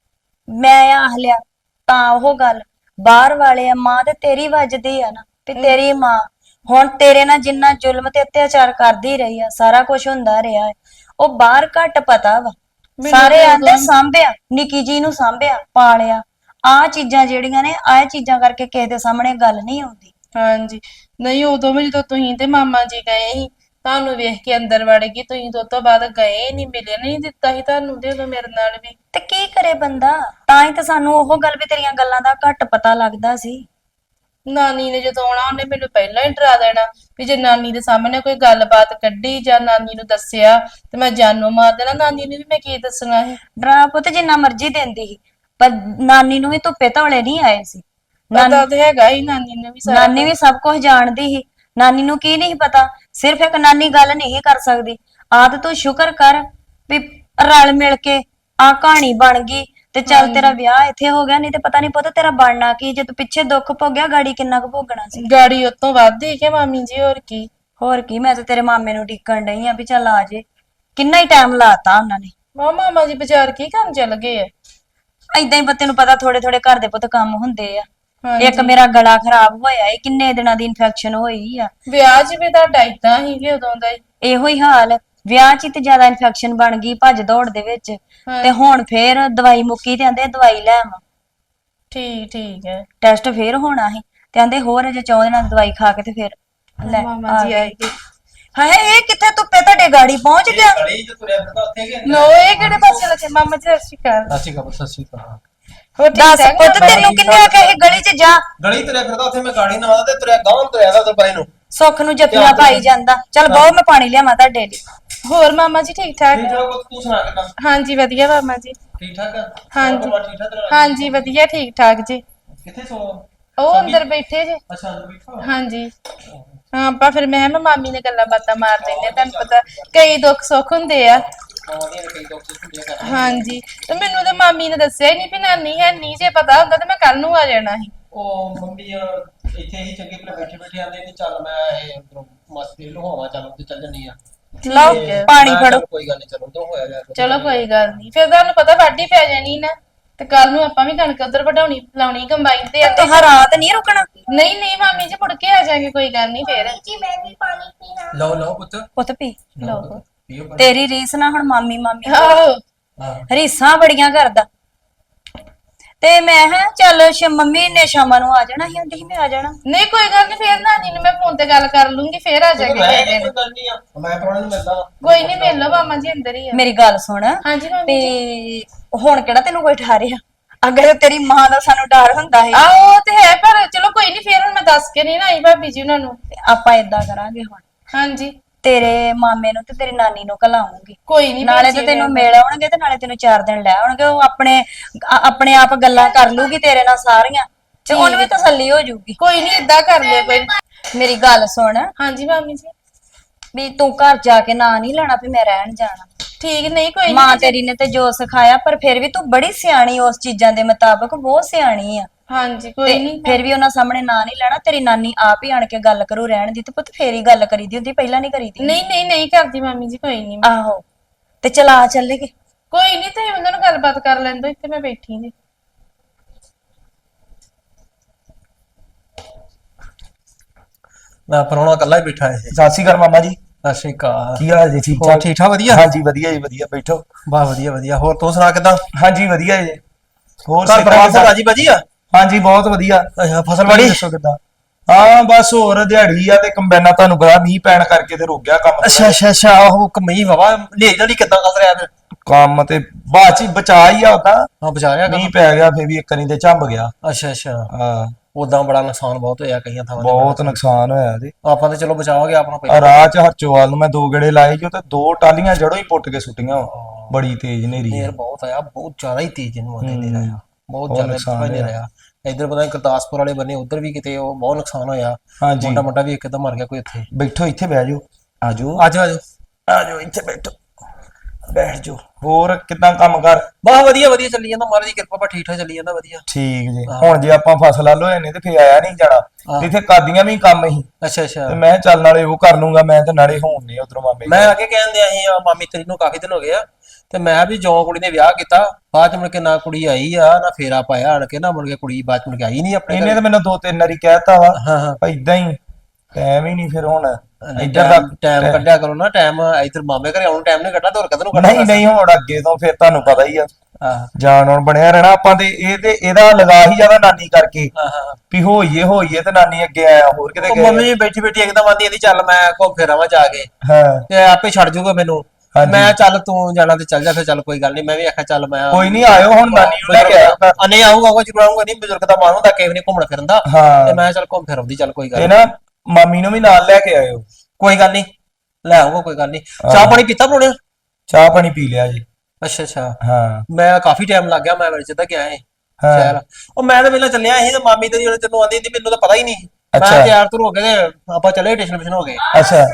Speaker 3: ਮੈਂ ਆਖ ਲਿਆ ਤਾਂ ਉਹ ਗੱਲ ਬਾਹਰ ਵਾਲੇ ਆ, ਮਾਂ ਤੇ ਤੇਰੀ ਵੱਜਦੀ ਆ ਨਾ, ਵੀ ਤੇਰੀ ਮਾਂ ਹੁਣ ਤੇਰੇ ਨਾਲ ਜਿੰਨਾ ਜ਼ੁਲਮ ਤੇ ਅਤਿਆਚਾਰ ਕਰਦੀ ਰਹੀ ਆ, ਸਾਰਾ ਕੁਝ ਹੁੰਦਾ ਰਿਹਾ ਹੈ, ਉਹ ਬਾਹਰ ਘੱਟ ਪਤਾ ਵਾ। ਸਾਰੇ
Speaker 2: ਤੇ
Speaker 3: ਆਂਦੇ
Speaker 2: ਉਦੋਂ-
Speaker 3: ਸਾਂਭਿਆ, ਨਿੱਕੀ ਜੀ ਨੂੰ ਸਾਂਭਿਆ ਪਾਲਿਆ, ਆਹ ਚੀਜ਼ਾਂ ਜਿਹੜੀਆਂ ਨੇ, ਆਹ ਚੀਜ਼ਾਂ ਕਰਕੇ ਕਿਸੇ ਦੇ ਸਾਹਮਣੇ ਗੱਲ ਨਹੀਂ ਆਉਂਦੀ।
Speaker 2: ਹਾਂਜੀ ਨਹੀਂ ਉਦੋਂ ਵੀ ਜਦੋਂ ਤੁਸੀਂ ਤੇ ਮਾਮਾ ਜੀ ਗਏ ਸੀ, ਤੁਹਾਨੂੰ ਵੇਖ ਕੇ ਅੰਦਰ ਵੜ ਗਈ ਤੁਸੀਂ, ਤੇ ਉਸ ਤੋਂ ਬਾਅਦ ਗਏ ਨਹੀਂ, ਮਿਲੇ ਨਹੀਂ ਦਿੱਤਾ ਸੀ ਤੁਹਾਨੂੰ ਤੇ ਉਦੋਂ ਮੇਰੇ ਨਾਲ ਵੀ।
Speaker 3: ਤੇ ਕੀ ਕਰੇ ਬੰਦਾ, ਤਾਂ ਹੀ ਤਾਂ ਸਾਨੂੰ ਉਹ ਗੱਲ ਵੀ ਤੇਰੀਆਂ ਗੱਲਾਂ ਦਾ ਘੱਟ ਪਤਾ ਲੱਗਦਾ ਸੀ।
Speaker 2: ਨਾਨੀ ਨੇ ਜਦੋਂ ਆਉਣਾ ਉਹਨੇ ਮੈਨੂੰ ਪਹਿਲਾਂ ਹੀ ਡਰਾ ਦੇਣਾ ਵੀ ਜੇ ਨਾਨੀ ਦੇ ਸਾਹਮਣੇ ਕੋਈ ਗੱਲਬਾਤ ਕੱਢੀ ਜਾਂ ਨਾਨੀ ਨੂੰ ਦੱਸਿਆ ਤੇ ਮੈਂ ਜਾਨੋਂ ਮਾਰ ਦੇਣਾ। ਨਾਨੀ ਨੂੰ ਵੀ ਮੈਂ ਕੀ ਦੱਸਣਾ ਸੀ।
Speaker 3: ਡਰਾ ਪੁੱਤ ਜਿੰਨਾ ਮਰਜ਼ੀ ਦਿੰਦੀ ਸੀ, ਪਰ ਨਾਨੀ ਨੂੰ ਵੀ ਧੁੱਪੇ ਧੌਲੇ ਨਹੀਂ ਆਏ ਸੀ।
Speaker 2: ਪਤਾ ਤੇ ਹੈਗਾ ਹੀ ਨਾਨੀ ਨੂੰ ਵੀ ਸਾਰਾ
Speaker 3: ਨਾਨੀ ਵੀ ਸਭ ਕੁਝ ਜਾਣਦੀ ਸੀ, ਨਾਨੀ ਨੂੰ ਕੀ ਨਹੀਂ ਪਤਾ, ਸਿਰਫ ਇੱਕ ਨਾਨੀ ਗੱਲ ਨਹੀਂ ਕਰ ਸਕਦੀ। ਆਦ ਤੂੰ ਸ਼ੁਕਰ ਕਰ ਵੀ ਰਲ ਮਿਲ ਕੇ ਆ ਕਹਾਣੀ ਬਣ ਗਈ ਤੇ ਚੱਲ ਤੇਰਾ ਵਿਆਹ ਇੱਥੇ ਹੋ ਗਿਆ, ਨਹੀਂ ਤੇ ਪਤਾ ਨਹੀਂ ਪੁੱਤ ਤੇਰਾ ਬਣਨਾ ਕੀ, ਜੇ ਤੂੰ ਪਿੱਛੇ ਦੁੱਖ ਭੋਗਿਆ ਗਾੜੀ ਕਿੰਨਾ ਕੁ ਭੋਗਣਾ ਸੀ।
Speaker 2: ਗਾੜੀ ਉਤੋਂ ਵੱਧ ਹੀ ਕਿ ਮਾਮੀ ਜੀ, ਹੋਰ ਕੀ।
Speaker 3: ਹੋਰ ਕੀ, ਮੈਂ ਤੇ ਤੇਰੇ ਮਾਮੇ ਨੂੰ ਢੀਕਣ ਡਈ ਆ ਵੀ ਚੱਲ ਆ ਜੇ, ਕਿੰਨਾ ਹੀ ਟਾਈਮ ਲਾਤਾ ਉਹਨਾਂ ਨੇ।
Speaker 2: ਮਾਮਾ ਜੀ ਬਾਜ਼ਾਰ ਕੀ ਕਰਨ ਚੱਲ ਗਏ ਆ?
Speaker 3: ਏਦਾਂ ਹੀ ਤੈਨੂੰ ਪਤਾ ਥੋੜੇ ਥੋੜੇ ਘਰ ਦੇ ਪੁੱਤ ਕੰਮ ਹੁੰਦੇ ਆ।
Speaker 2: ਹਾਂਜੀ।
Speaker 3: ਇੱਕ ਮੇਰਾ ਗਲਾ ਖਰਾਬ ਹੋਇਆ ਏ, ਕਿੰਨੇ ਦਿਨਾਂ ਦੀ ਇਨਫੈਕਸ਼ਨ ਹੋਈ ਆ।
Speaker 2: ਵਿਆਹ 'ਚ ਵੀ ਤੁਹਾਡਾ ਏਦਾਂ ਹੀ ਕਿ ਉਦੋਂ ਦਾ ਹੀ?
Speaker 3: ਇਹੋ ਹੀ ਹਾਲ, ਵਿਆਹ 'ਚ ਹੀ ਤੇ ਜ਼ਿਆਦਾ ਇਨਫੈਕਸ਼ਨ ਬਣ ਗਈ ਭੱਜ ਦੌੜ ਦੇ ਵਿੱਚ, ਤੇ ਹੁਣ ਫੇਰ ਦਵਾਈ ਮੁੱਕੀ ਤੇ ਆਂਦੇ ਦਵਾਈ ਲੈ ਆਵਾਂ,
Speaker 2: ਠੀਕ ਹੈ।
Speaker 3: ਟੈਸਟ ਫੇਰ ਹੋਣਾ ਸੀ ਤੇ ਆਂਦੇ ਹੋਰ ਅਜੇ 14 ਦਿਨਾਂ ਦੀ ਦਵਾਈ ਖਾ ਕੇ ਤੇ ਫੇਰ ਲੈ
Speaker 2: ਮਾਮਾ ਜੀ ਆਏ ਗਏ।
Speaker 3: ਹਾਏ ਇਹ ਕਿੱਥੇ ਧੁੱਪੇ ਤੁਹਾਡੇ ਗਾੜੀ ਪਹੁੰਚ ਗਿਆ?
Speaker 4: ਗਲੀ ਚ ਤੁਰਿਆ ਫਿਰਦਾ ਉੱਥੇ ਕਿ
Speaker 2: ਲੋ ਇਹ ਕਿਹੜੇ ਪਾਸੇ ਲੱਗੇ? ਮਾਮਾ ਜੀ ਸਤਿ ਸ਼੍ਰੀ ਅਕਾਲ।
Speaker 4: ਸਤਿ ਸ਼੍ਰੀ ਅਕਾਲ, ਸਤਿ ਸ਼੍ਰੀ ਅਕਾਲ।
Speaker 2: ਹੋਰ ਠੀਕ
Speaker 3: ਦੱਸ
Speaker 2: ਠਾਕ
Speaker 3: ਪੁੱਤ
Speaker 2: ਮਾਮਾ ਜੀ?
Speaker 3: ਤੈਨੂੰ ਕਿੰਨੇ ਆਖਿਆ ਇਹ ਗਲੀ 'ਚ ਜਾ?
Speaker 4: ਗਲੀ ਤੁਰਿਆ ਫਿਰਦਾ ਉੱਥੇ, ਮੈਂ ਗਾੜੀ ਨਾ ਆਉਂਦਾ ਤੇ ਤੁਰਿਆ ਗਾਉਂ ਤੁਰਿਆ ਦਾ ਉਧਰ ਪਰੇ ਨੂੰ।
Speaker 3: ਸੁੱਖ ਨੂੰ ਜੱਫੀਆਂ ਪਾਈ ਜਾਂਦਾ। ਚੱਲ ਬਹੁ ਮੈਂ ਪਾਣੀ ਲਿਆਵਾਂ ਤੁਹਾਡੇ ਲਈ।
Speaker 2: ਹੋਰ ਮਾਮਾ ਜੀ ਠੀਕ ਠਾਕ?
Speaker 4: ਠੀਕ ਠਾਕ ਪੁੱਤ, ਤੂੰ ਸੁਣਾ ਕਿੱਦਾਂ?
Speaker 2: ਹਾਂਜੀ ਵਧੀਆ ਮਾਮਾ ਜੀ।
Speaker 4: ਠੀਕ ਠਾਕ ਆ?
Speaker 2: ਹਾਂਜੀ।
Speaker 4: ਹੋਰ ਠੀਕ ਠਾਕ ਤੇਰਾ?
Speaker 2: ਹਾਂਜੀ ਵਧੀਆ ਠੀਕ ਠਾਕ ਜੀ।
Speaker 4: ਕਿੱਥੇ ਸੋ?
Speaker 2: ਉਹ ਅੰਦਰ ਬੈਠੇ ਜੇ।
Speaker 4: ਅੱਛਾ ਅੰਦਰ ਬੈਠਾ।
Speaker 2: ਹਾਂਜੀ ਹਾਂ, ਆਪਾਂ ਫਿਰ ਮੈਂ ਮਾਮੀ ਨੇ ਗੱਲਾਂ ਬਾਤਾਂ ਮਾਰ ਲੈਂਦੇ, ਤੁਹਾਨੂੰ ਪਤਾ ਕਈ ਦੁੱਖ ਸੁੱਖ ਹੁੰਦੇ ਆ।
Speaker 4: ਮਾਵਾਂ ਦੀਆਂ ਕਈ ਦੁੱਖ ਸੁੱਖ ਹੁੰਦੀਆਂ ਘਰ।
Speaker 2: ਹਾਂਜੀ ਤੇ ਮੈਨੂੰ ਤੇ ਮਾਮੀ ਨੇ ਦੱਸਿਆ ਹੀ ਨਹੀਂ ਵੀ ਨਾਨੀ ਹੈ ਨਹੀਂ, ਜੇ ਪਤਾ ਹੁੰਦਾ ਤੇ ਮੈਂ ਕੱਲ ਨੂੰ ਆ ਜਾਣਾ ਸੀ।
Speaker 4: ਉਹ ਮੰਮੀ ਇੱਥੇ ਹੀ ਚੰਗੇ ਭਲੇ ਬੈਠੇ ਬੈਠੇ ਆਂਦੇ ਨੇ ਚੱਲ ਮੈਂ ਇਹ ਉਧਰੋਂ ਮਸਤੀ ਲੁਹਾਵਾਂ ਚੱਲ ਉੱਤੇ ਚੱਲ ਜੰਨੀ ਆ।
Speaker 3: ਲਓ
Speaker 4: ਤੇ
Speaker 3: ਪਾਣੀ
Speaker 4: ਮੈਂ
Speaker 3: ਫੜੋ।
Speaker 4: ਚੱਲ ਕੋਈ ਗੱਲ ਨਹੀਂ, ਚਲੋ ਉਦੋਂ ਹੋਇਆ ਗਿਆ।
Speaker 2: ਚਲੋ ਕੋਈ ਗੱਲ ਨਹੀਂ, ਫਿਰ ਤੁਹਾਨੂੰ ਪਤਾ ਵਾਢੀ ਪੈ ਜਾਣੀ ਨਾ, ਤੇ ਕੱਲ ਨੂੰ ਆਪਾਂ ਵੀ ਕਣਕ ਉਧਰ ਵਢਾਉਣੀ ਲਾਉਣੀ ਕੰਬਾਈਨ ਤੇ।
Speaker 3: ਤੁਹਾਂ ਰਾਤ ਨਹੀਂ ਰੁਕਣਾ?
Speaker 2: ਨਹੀਂ ਮਾਮੀ ਜੀ ਮੁੜ ਕੇ ਆ ਜਾਾਂਗੇ, ਕੋਈ ਗੱਲ ਨਹੀਂ ਫੇਰ।
Speaker 7: ਜੀ ਮੈਂ ਵੀ ਪਾਣੀ ਪੀਣਾ।
Speaker 4: ਲਓ ਲਓ ਪੁੱਤ,
Speaker 3: ਪੁੱਤ ਪੀ।
Speaker 4: ਲਓ ਪੁੱਤ, ਪੀਓ ਪਾਣੀ।
Speaker 3: ਤੇਰੀ ਰੀਸ ਨਾ ਹੁਣ ਮਾਮੀ ਮਾਮੀ
Speaker 2: ਆਹੋ
Speaker 4: ਹਾਂ
Speaker 3: ਰੀਸਾਂ ਬੜੀਆਂ ਕਰਦਾ। ਤੇ ਮੈਂ ਹਾਂ ਚੱਲ ਮੰਮੀ ਨੇ ਸ਼ਾਮਾਂ ਨੂੰ ਆ ਜਾਣਾ ਸੀ, ਆਂਦੀ ਸੀ ਮੈਂ ਆ ਜਾਣਾ।
Speaker 2: ਨਹੀਂ ਕੋਈ ਗੱਲ ਨਹੀਂ, ਫੇਰ ਨਾਨੀ ਨੂੰ ਮੈਂ ਫੋਨ ਤੇ ਗੱਲ ਕਰ ਲੂੰਗੀ, ਫੇਰ ਆ ਜਾਾਂਗੇ
Speaker 4: ਮੈਂ
Speaker 2: ਕਿਸੇ
Speaker 4: ਕੋਈ
Speaker 2: ਦਿਨ।
Speaker 4: ਗੱਲ ਨਹੀਂ ਆ, ਮੈਂ ਪਰਵਾਹ ਨਹੀਂ ਮਿਲਦਾ।
Speaker 2: ਕੋਈ ਨਹੀਂ, ਮਿਲ ਲਓ ਮਾਮਾ ਜੀ ਅੰਦਰ ਹੀ ਆ।
Speaker 3: ਮੇਰੀ ਗੱਲ ਸੁਣ,
Speaker 2: ਹਾਂਜੀ ਮਾਮੀ ਜੀ।
Speaker 3: ਤੇ ਹੁਣ ਕਿਹੜਾ ਤੈਨੂੰ ਕੋਈ ਠਾਰਿਆ? ਅਗਰ ਤੇਰੀ ਮਾਂ ਦਾ ਸਾਨੂੰ ਡਰ ਹੁੰਦਾ ਸੀ।
Speaker 2: ਆਹੋ ਉਹ ਤੇ ਹੈ, ਪਰ ਚਲੋ ਕੋਈ ਨਹੀਂ, ਫੇਰ ਹੁਣ ਮੈਂ ਦੱਸ ਕੇ ਨਹੀਂ ਨਾ ਆਈ ਭਾਬੀ ਜੀ ਉਹਨਾਂ ਨੂੰ।
Speaker 3: ਤੇ ਆਪਾਂ ਏਦਾਂ ਕਰਾਂਗੇ ਹੁਣ,
Speaker 2: ਹਾਂਜੀ
Speaker 3: ਤੇਰੇ ਮਾਮੇ ਨੂੰ ਤੇ ਤੇਰੀ ਨਾਨੀ ਨੂੰ ਘਲਾਉਂਗੀ,
Speaker 2: ਕੋਈ ਨਹੀਂ।
Speaker 3: ਨਾਲੇ ਤੇ ਤੈਨੂੰ ਮਿਲ ਆਉਣਗੇ ਤੇ ਨਾਲੇ ਤੈਨੂੰ 4 ਦਿਨ ਲੈ ਆਉਣਗੇ। ਉਹ ਆਪਣੇ ਆਪ ਗੱਲਾਂ ਕਰ ਲੂਗੀ ਤੇਰੇ ਨਾਲ ਸਾਰੀਆਂ, ਤੇ ਉਹਨੂੰ ਵੀ ਤਸੱਲੀ ਹੋ ਜਾਊਗੀ।
Speaker 2: ਕੋਈ ਨਹੀਂ, ਏਦਾਂ ਕਰ ਲਿਓ ਕੋਈ ਨੀ।
Speaker 3: ਮੇਰੀ ਗੱਲ ਸੁਣ,
Speaker 2: ਹਾਂਜੀ ਮਾਮੀ ਜੀ
Speaker 3: ਵੀ ਤੂੰ ਘਰ ਜਾ ਕੇ ਨਾਂ ਨਹੀਂ ਲੈਣਾ ਵੀ ਮੈਂ ਰਹਿਣ ਜਾਣਾ।
Speaker 2: ਠੀਕ ਨਹੀਂ ਕੋਈ
Speaker 3: ਮਾਂ
Speaker 2: ਨਹੀਂ
Speaker 3: ਤੇਰੀ ਨੇ ਤੇ ਜੋ ਸਿਖਾਇਆ, ਪਰ ਫਿਰ ਵੀ ਤੂੰ ਬੜੀ ਸਿਆਣੀ ਉਸ ਚੀਜ਼ਾਂ ਦੇ ਮੁਤਾਬਕ, ਬਹੁਤ ਸਿਆਣੀ ਆ।
Speaker 2: ਹਾਂਜੀ ਕੋਈ
Speaker 3: ਤੇ
Speaker 2: ਨਹੀਂ
Speaker 3: ਫਿਰ ਵੀ ਉਹਨਾਂ ਸਾਹਮਣੇ ਨਾਂ ਨਹੀਂ ਲੈਣਾ, ਤੇਰੀ ਨਾਨੀ ਆਪ ਹੀ ਆਣ ਕੇ ਗੱਲ ਕਰੂ ਰਹਿਣ ਦੀ, ਤੇ ਪੁੱਤ ਫੇਰ ਹੀ ਗੱਲ ਕਰੀਦੀ ਹੁੰਦੀ, ਪਹਿਲਾਂ ਨਹੀਂ ਕਰੀਦੀ।
Speaker 2: ਨਹੀਂ ਕਰਦੀ ਮਾਮੀ ਜੀ, ਕੋਈ ਨਹੀਂ
Speaker 3: ਆਹੋ ਤੇ ਚਲਾ ਚੱਲੇਗੇ।
Speaker 2: ਕੋਈ ਨਹੀਂ, ਤੁਸੀਂ ਉਹਨਾਂ ਨੂੰ ਗੱਲਬਾਤ ਕਰ ਲੈਂਦੋ, ਇੱਥੇ ਮੈਂ ਬੈਠੀ ਜੀ।
Speaker 4: ਮੈਂ ਪਰੋਣਾ ਇਕੱਲਾ ਹੀ ਬੈਠਾ ਹੈ।
Speaker 5: ਸਤਿ ਸ਼੍ਰੀ ਅਕਾਲ ਮਾਮਾ ਜੀ।
Speaker 4: ਸਤਿ ਸ਼੍ਰੀ ਅਕਾਲ।
Speaker 5: ਕੀ ਹਾਲ ਜੀ? ਠੀਕ
Speaker 4: ਹੋਰ
Speaker 5: ਠਾਕ?
Speaker 4: ਠੀਕ ਠਾਕ ਵਧੀਆ?
Speaker 5: ਹਾਂਜੀ ਵਧੀਆ ਜੀ, ਵਧੀਆ। ਬੈਠੋ।
Speaker 4: ਵਾਹ ਵਧੀਆ ਵਧੀਆ। ਹੋਰ ਤੂੰ ਸੁਣਾ ਕਿਦਾਂ?
Speaker 5: ਹਾਂਜੀ ਵਧੀਆ ਜੀ। ਹੋਰ
Speaker 4: ਘਰ ਪਰਿਵਾਰ ਸਭ ਰਾਜੀ ਬਾਜੀ ਆ?
Speaker 5: ਹਾਂਜੀ ਬਹੁਤ ਵਧੀਆ।
Speaker 4: ਅੱਛਾ ਫਸਲ
Speaker 5: ਬੜੀ
Speaker 4: ਬੜੀ?
Speaker 5: ਦੱਸੋ ਕਿਦਾਂ? ਹਾਂ ਬਸ ਹੋਰ ਦਿਹਾੜੀ ਆ ਤੇ ਕੰਬਾਈਨਾਂ ਤੁਹਾਨੂੰ ਪਤਾ ਮੀਂਹ ਪੈਣ ਕਰਕੇ ਤੇ ਰੁਕ ਗਿਆ ਕੰਮ ਥੋੜ੍ਹਾ
Speaker 4: ਅੱਛਾ ਅੱਛਾ ਅੱਛਾ। ਉਹ ਕਮਈ ਵਾਵਾ ਲੈ ਜੜੀ ਕਿਦਾਂ ਕਰ ਰਿਹਾ ਫਿਰ?
Speaker 5: ਕੰਮ ਤੇ ਬਾਅਦ ਚ ਹੀ ਬਚਾ ਹੀ ਆ ਉਹਦਾ।
Speaker 4: ਹਾਂ ਬਚਾਇਆ
Speaker 5: ਮੀਂਹ ਪੈ ਗਿਆ ਫੇਰ ਵੀ ਇੱਕ ਵਾਰੀ ਤੇ ਝੰਬ ਗਿਆ।
Speaker 4: ਅੱਛਾ ਅੱਛਾ।
Speaker 5: ਹਾਂ
Speaker 4: ਉਦਾਂ ਬੜਾ ਨੁਕਸਾਨ ਬਹੁਤ ਹੋਇਆ ਕਈਆਂ ਥਾਵਾਂ ਤੇ।
Speaker 5: ਬਹੁਤ ਨੁਕਸਾਨ ਹੋਇਆ ਤੇ
Speaker 4: ਆਪਾਂ ਤੇ ਚਲੋ ਬਚਾਵਾਂਗੇ ਆਪਣਾ
Speaker 5: ਆ
Speaker 4: ਪਹਿਲਾਂ।
Speaker 5: ਰਾਹ ਚ ਹਰਚੋਵਾਲ ਨੂੰ ਮੈਂ 2 ਗੇੜੇ ਲਾਏ ਜੋ ਤੇ 2 ਟਾਲੀਆਂ ਜੜੋਂ ਹੀ ਪੁੱਟ ਕੇ ਸੁੱਟੀਆਂ ਵਾ। ਬੜੀ ਤੇਜ਼ ਹਨੇਰੀ
Speaker 4: ਨੇਰ
Speaker 5: ਆ।
Speaker 4: ਬਹੁਤ ਆਇਆ, ਬਹੁਤ ਜ਼ਿਆਦਾ ਹੀ ਤੇਜ਼ ਇਹਨੂੰ ਆਂਦੇ ਨੇ ਰਿਹਾ, ਬਹੁਤ
Speaker 5: ਬਹੁਤ
Speaker 4: ਜ਼ਿਆਦਾ
Speaker 5: ਨੁਕਸਾਨ
Speaker 4: ਨੁਕਸਾਨ
Speaker 5: ਹੋਇਆ।
Speaker 4: ਰਿਹਾ। ਇਧਰ ਪਤਾ ਨੀ ਗੁਰਦਾਸਪੁਰ ਵਾਲੇ ਬੰਨੇ ਉਧਰ ਵੀ ਕਿਤੇ ਉਹ ਬਹੁਤ ਨੁਕਸਾਨ ਹੋਇਆ।
Speaker 5: ਹਾਂਜੀ
Speaker 4: ਮੁੰਡਾ ਮੁੰਡਾ ਵੀ ਇੱਕਦਮ ਮਰ ਗਿਆ ਕੋਈ ਇੱਥੇ।
Speaker 5: ਬੈਠੋ ਇੱਥੇ ਬਹਿ ਜਾਓ। ਆਜੋ
Speaker 4: ਆਜੋ ਆਜੋ।
Speaker 5: ਆਜੋ ਇੱਥੇ ਬੈਠੋ। ਬੈਠ ਜਾਓ। ਹੋਰ ਕਿਦਾਂ ਕੰਮ ਕਰ?
Speaker 4: ਬਹੁਤ ਵਧੀਆ ਵਧੀਆ ਚੱਲੀ ਜਾਂਦਾ, ਮਹਾਰਾਜ ਦੀ ਕਿਰਪਾ ਪਰ ਠੀਕ ਠਾਕ ਚੱਲੀ ਜਾਂਦਾ ਵਧੀਆ।
Speaker 5: ਠੀਕ ਜੀ। ਹੁਣ ਜੇ ਆਪਾਂ ਫਸਲ ਵੱਲ ਹੋਏ ਨੇ ਤੇ ਫੇਰ ਆਇਆ ਨਹੀਂ ਜਾਣਾ। ਇੱਥੇ ਕਾਦੀਆਂ ਵੀ ਕੰਮ ਸੀ
Speaker 4: ਅੱਛਾ ਅੱਛਾ।
Speaker 5: ਤੇ ਮੈਂ ਚੱਲ ਨਾਲੇ ਉਹ ਕਰ ਲੂੰਗਾ ਮੈਂ ਤੇ ਨਾਲੇ ਹੋਣ ਨੇ ਉਧਰੋਂ ਮਾਮੇ
Speaker 4: ਮੈਂ ਅੱਗੇ ਕਹਿੰਦੇ ਅਸੀਂ ਮਾਮੀ ਤੇਰੀ ਨੂੰ ਕਾਫੀ ਦਿਨ ਹੋ ਗਏ ਆ, ਤੇ ਮੈਂ ਵੀ ਜੋ ਕੁੜੀ ਨੇ ਵਿਆਹ ਕੀਤਾ ਬਾਅਦ ਚ ਮੁੜ ਕੇ ਨਾ ਕੁੜੀ ਆਈ ਆ ਨਾ ਫੇਰਾ ਪਾਇਆ ਆਣ ਕੇ, ਨਾ ਮੁੜ ਕੇ ਕੁੜੀ ਬਾਅਦ ਚ ਮੁੜ ਕੇ ਆਈ ਨਹੀਂ ਆਪਣੇ
Speaker 5: ਇਹਨੇ
Speaker 4: ਘਰੇ।
Speaker 5: ਤਾਂ ਮੈਨੂੰ 2-3 ਵਾਰੀ ਕਹਿਤਾ ਵਾ
Speaker 4: ਹਾਂ ਹਾਂ।
Speaker 5: ਇਦਾਂ ਹੀ ਟਾਈਮ ਹੀ ਨਹੀਂ ਫਿਰ ਹੁਣ ਇੱਧਰ ਦਾ
Speaker 4: ਟਾਈਮ ਕੱਢਿਆ ਕਰੋ ਨਾ, ਟਾਈਮ ਇੱਧਰ ਮਾਮੇ ਘਰੇ ਆਉਣ ਟਾਈਮ ਨਹੀਂ ਕੱਢਣਾ ਤੇ ਹੋਰ ਕਦੋਂ ਨੂੰ ਕੱਢਣਾ?
Speaker 5: ਨਹੀਂ ਹੁਣ ਅੱਗੇ ਤੋਂ ਫਿਰ ਤੁਹਾਨੂੰ ਪਤਾ ਹੀ ਆ
Speaker 4: ਹਾਂ
Speaker 5: ਜਾਣ ਹੁਣ ਬਣਿਆ ਰਹਿਣਾ ਆਪਾਂ ਤੇ ਇਹ ਤੇ ਇਹਦਾ ਲਗਾ ਹੀ ਜ਼ਿਆਦਾ ਨਾਨੀ ਕਰਕੇ
Speaker 4: ਹਾਂ ਹਾਂ।
Speaker 5: ਵੀ ਹੋਈਏ ਤੇ ਨਾਨੀ ਅੱਗੇ ਆਇਆ ਹੋਰ ਕਿਤੇ
Speaker 4: ਉਹ
Speaker 5: ਗਏ।
Speaker 4: ਮੰਮੀ ਬੈਠੀ ਬੈਠੀ ਇੱਕਦਮ ਆਂਦੀ ਇਹਦੀ ਚੱਲ ਮੈਂ ਘੁੰਮ ਫਿਰ ਆਵਾਂ ਜਾ ਕੇ,
Speaker 5: ਹਾਂ
Speaker 4: ਤੇ ਆਪੇ ਛੱਡ ਜੂਗਾ ਮੈਨੂੰ।
Speaker 5: ਹਾਂਜੀ।
Speaker 4: ਮੈਂ ਚੱਲ ਤੂੰ ਜਾਣਾ ਤੇ ਚੱਲ ਜਾ ਫਿਰ, ਚੱਲ ਕੋਈ ਗੱਲ ਨਹੀਂ। ਮੈਂ ਵੀ ਆਖਿਆ ਚੱਲ ਮੈਂ
Speaker 5: ਕੋਈ ਨਹੀਂ ਆਇਓ ਹੁਣ ਨਾਨੀ ਨੂੰ ਲੈ ਕੇ ਆਇਓ ਘਰ।
Speaker 4: ਨਹੀਂ ਆਊਗਾ ਜਰੂਰ ਆਊਗਾ, ਨਹੀਂ ਬਜ਼ੁਰਗ ਦਾ ਮਨ ਹੁੰਦਾ ਕਿਸੇ ਨੇ ਘੁੰਮਣ ਫਿਰਨ ਦਾ,
Speaker 5: ਹਾਂ
Speaker 4: ਤੇ ਮੈਂ ਚੱਲ ਘੁੰਮ ਫਿਰ ਆਉਂਦੀ, ਚੱਲ ਕੋਈ ਗੱਲ
Speaker 5: ਤੇ
Speaker 4: ਨੀ।
Speaker 5: ਨਾ ਮਾਮੀ ਨੂੰ ਵੀ ਨਾਲ ਲੈ ਕੇ ਆਇਓ।
Speaker 4: ਕੋਈ ਗੱਲ ਨਹੀਂ ਲੈ ਆਊਗਾ, ਕੋਈ ਗੱਲ ਨਹੀਂ। ਚਾਹ ਪਾਣੀ ਪੀਤਾ ਪਰੋਣਿਆ?
Speaker 5: ਚਾਹ ਪਾਣੀ ਪੀ ਲਿਆ ਜੀ।
Speaker 4: ਅੱਛਾ ਅੱਛਾ।
Speaker 5: ਹਾਂ
Speaker 4: ਮੈਂ ਕਾਫੀ ਟਾਈਮ ਲੱਗ ਗਿਆ, ਮੈਂ ਵਿੱਚ ਤਾਂ ਗਿਆ ਏ
Speaker 5: ਹਾਂ।
Speaker 4: ਸ਼ਹਿਰ। ਉਹ ਮੈਂ ਤਾਂ ਪਹਿਲਾਂ ਚੱਲਿਆ ਸੀ ਤੇ ਮਾਮੀ ਤੇਰੀ ਜਦੋਂ ਤੈਨੂੰ ਆਂਦੀ ਸੀ ਮੈਨੂੰ ਤਾਂ ਪਤਾ ਹੀ ਨਹੀਂ। ਮੈਂ
Speaker 5: ਅੱਛਾ।
Speaker 4: ਤਿਆਰ ਤੁਰ ਹੋ ਗਏ ਤੇ ਆਪਾਂ ਚੱਲੇ ਸਟੇਸ਼ਨ ਹੋ ਗਏ।
Speaker 5: ਅੱਛਾ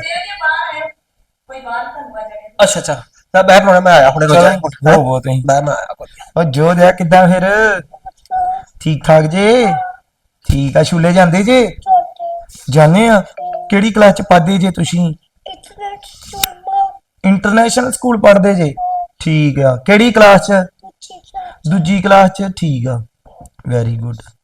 Speaker 3: ਕੋਈ ਬਾਹਰ ਤੁਹਾਨੂੰ ਆ ਜਾਣੇ।
Speaker 4: ਅੱਛਾ ਅੱਛਾ। ਮੈਂ ਬਹਿ ਪਰੋਣਾ, ਮੈਂ ਆਇਆ ਹੁਣੇ ਰੋਜ਼
Speaker 5: ਹੋ ਤੁਸੀਂ
Speaker 4: ਮੈਂ ਆਇਆ ਕੋਈ।
Speaker 5: ਉਹ ਜੋ ਦਿਆ ਕਿੱਦਾਂ ਫਿਰ ਠੀਕ ਠਾਕ ਜੇ? ਠੀਕ ਆ। ਛੁੱਲੇ ਜਾਂਦੇ ਜੇ? ਜਾਣੇ ਆ। ਕਿਹੜੀ ਕਲਾਸ ਚ ਪੜ੍ਹਦੇ ਜੇ ਤੁਸੀਂ?
Speaker 7: ਇੰਟਰਨੈਟ ਸੁਣਨਾ
Speaker 5: ਇੰਟਰਨੈਸ਼ਨਲ ਸਕੂਲ ਪੜ੍ਹਦੇ ਜੇ? ਠੀਕ ਆ। ਕਿਹੜੀ ਕਲਾਸ ਚ?
Speaker 7: ਪੁੱਛੀ ਜਾ
Speaker 5: ਦੂਜੀ ਕਲਾਸ ਚ? ਠੀਕ ਆ। Very good.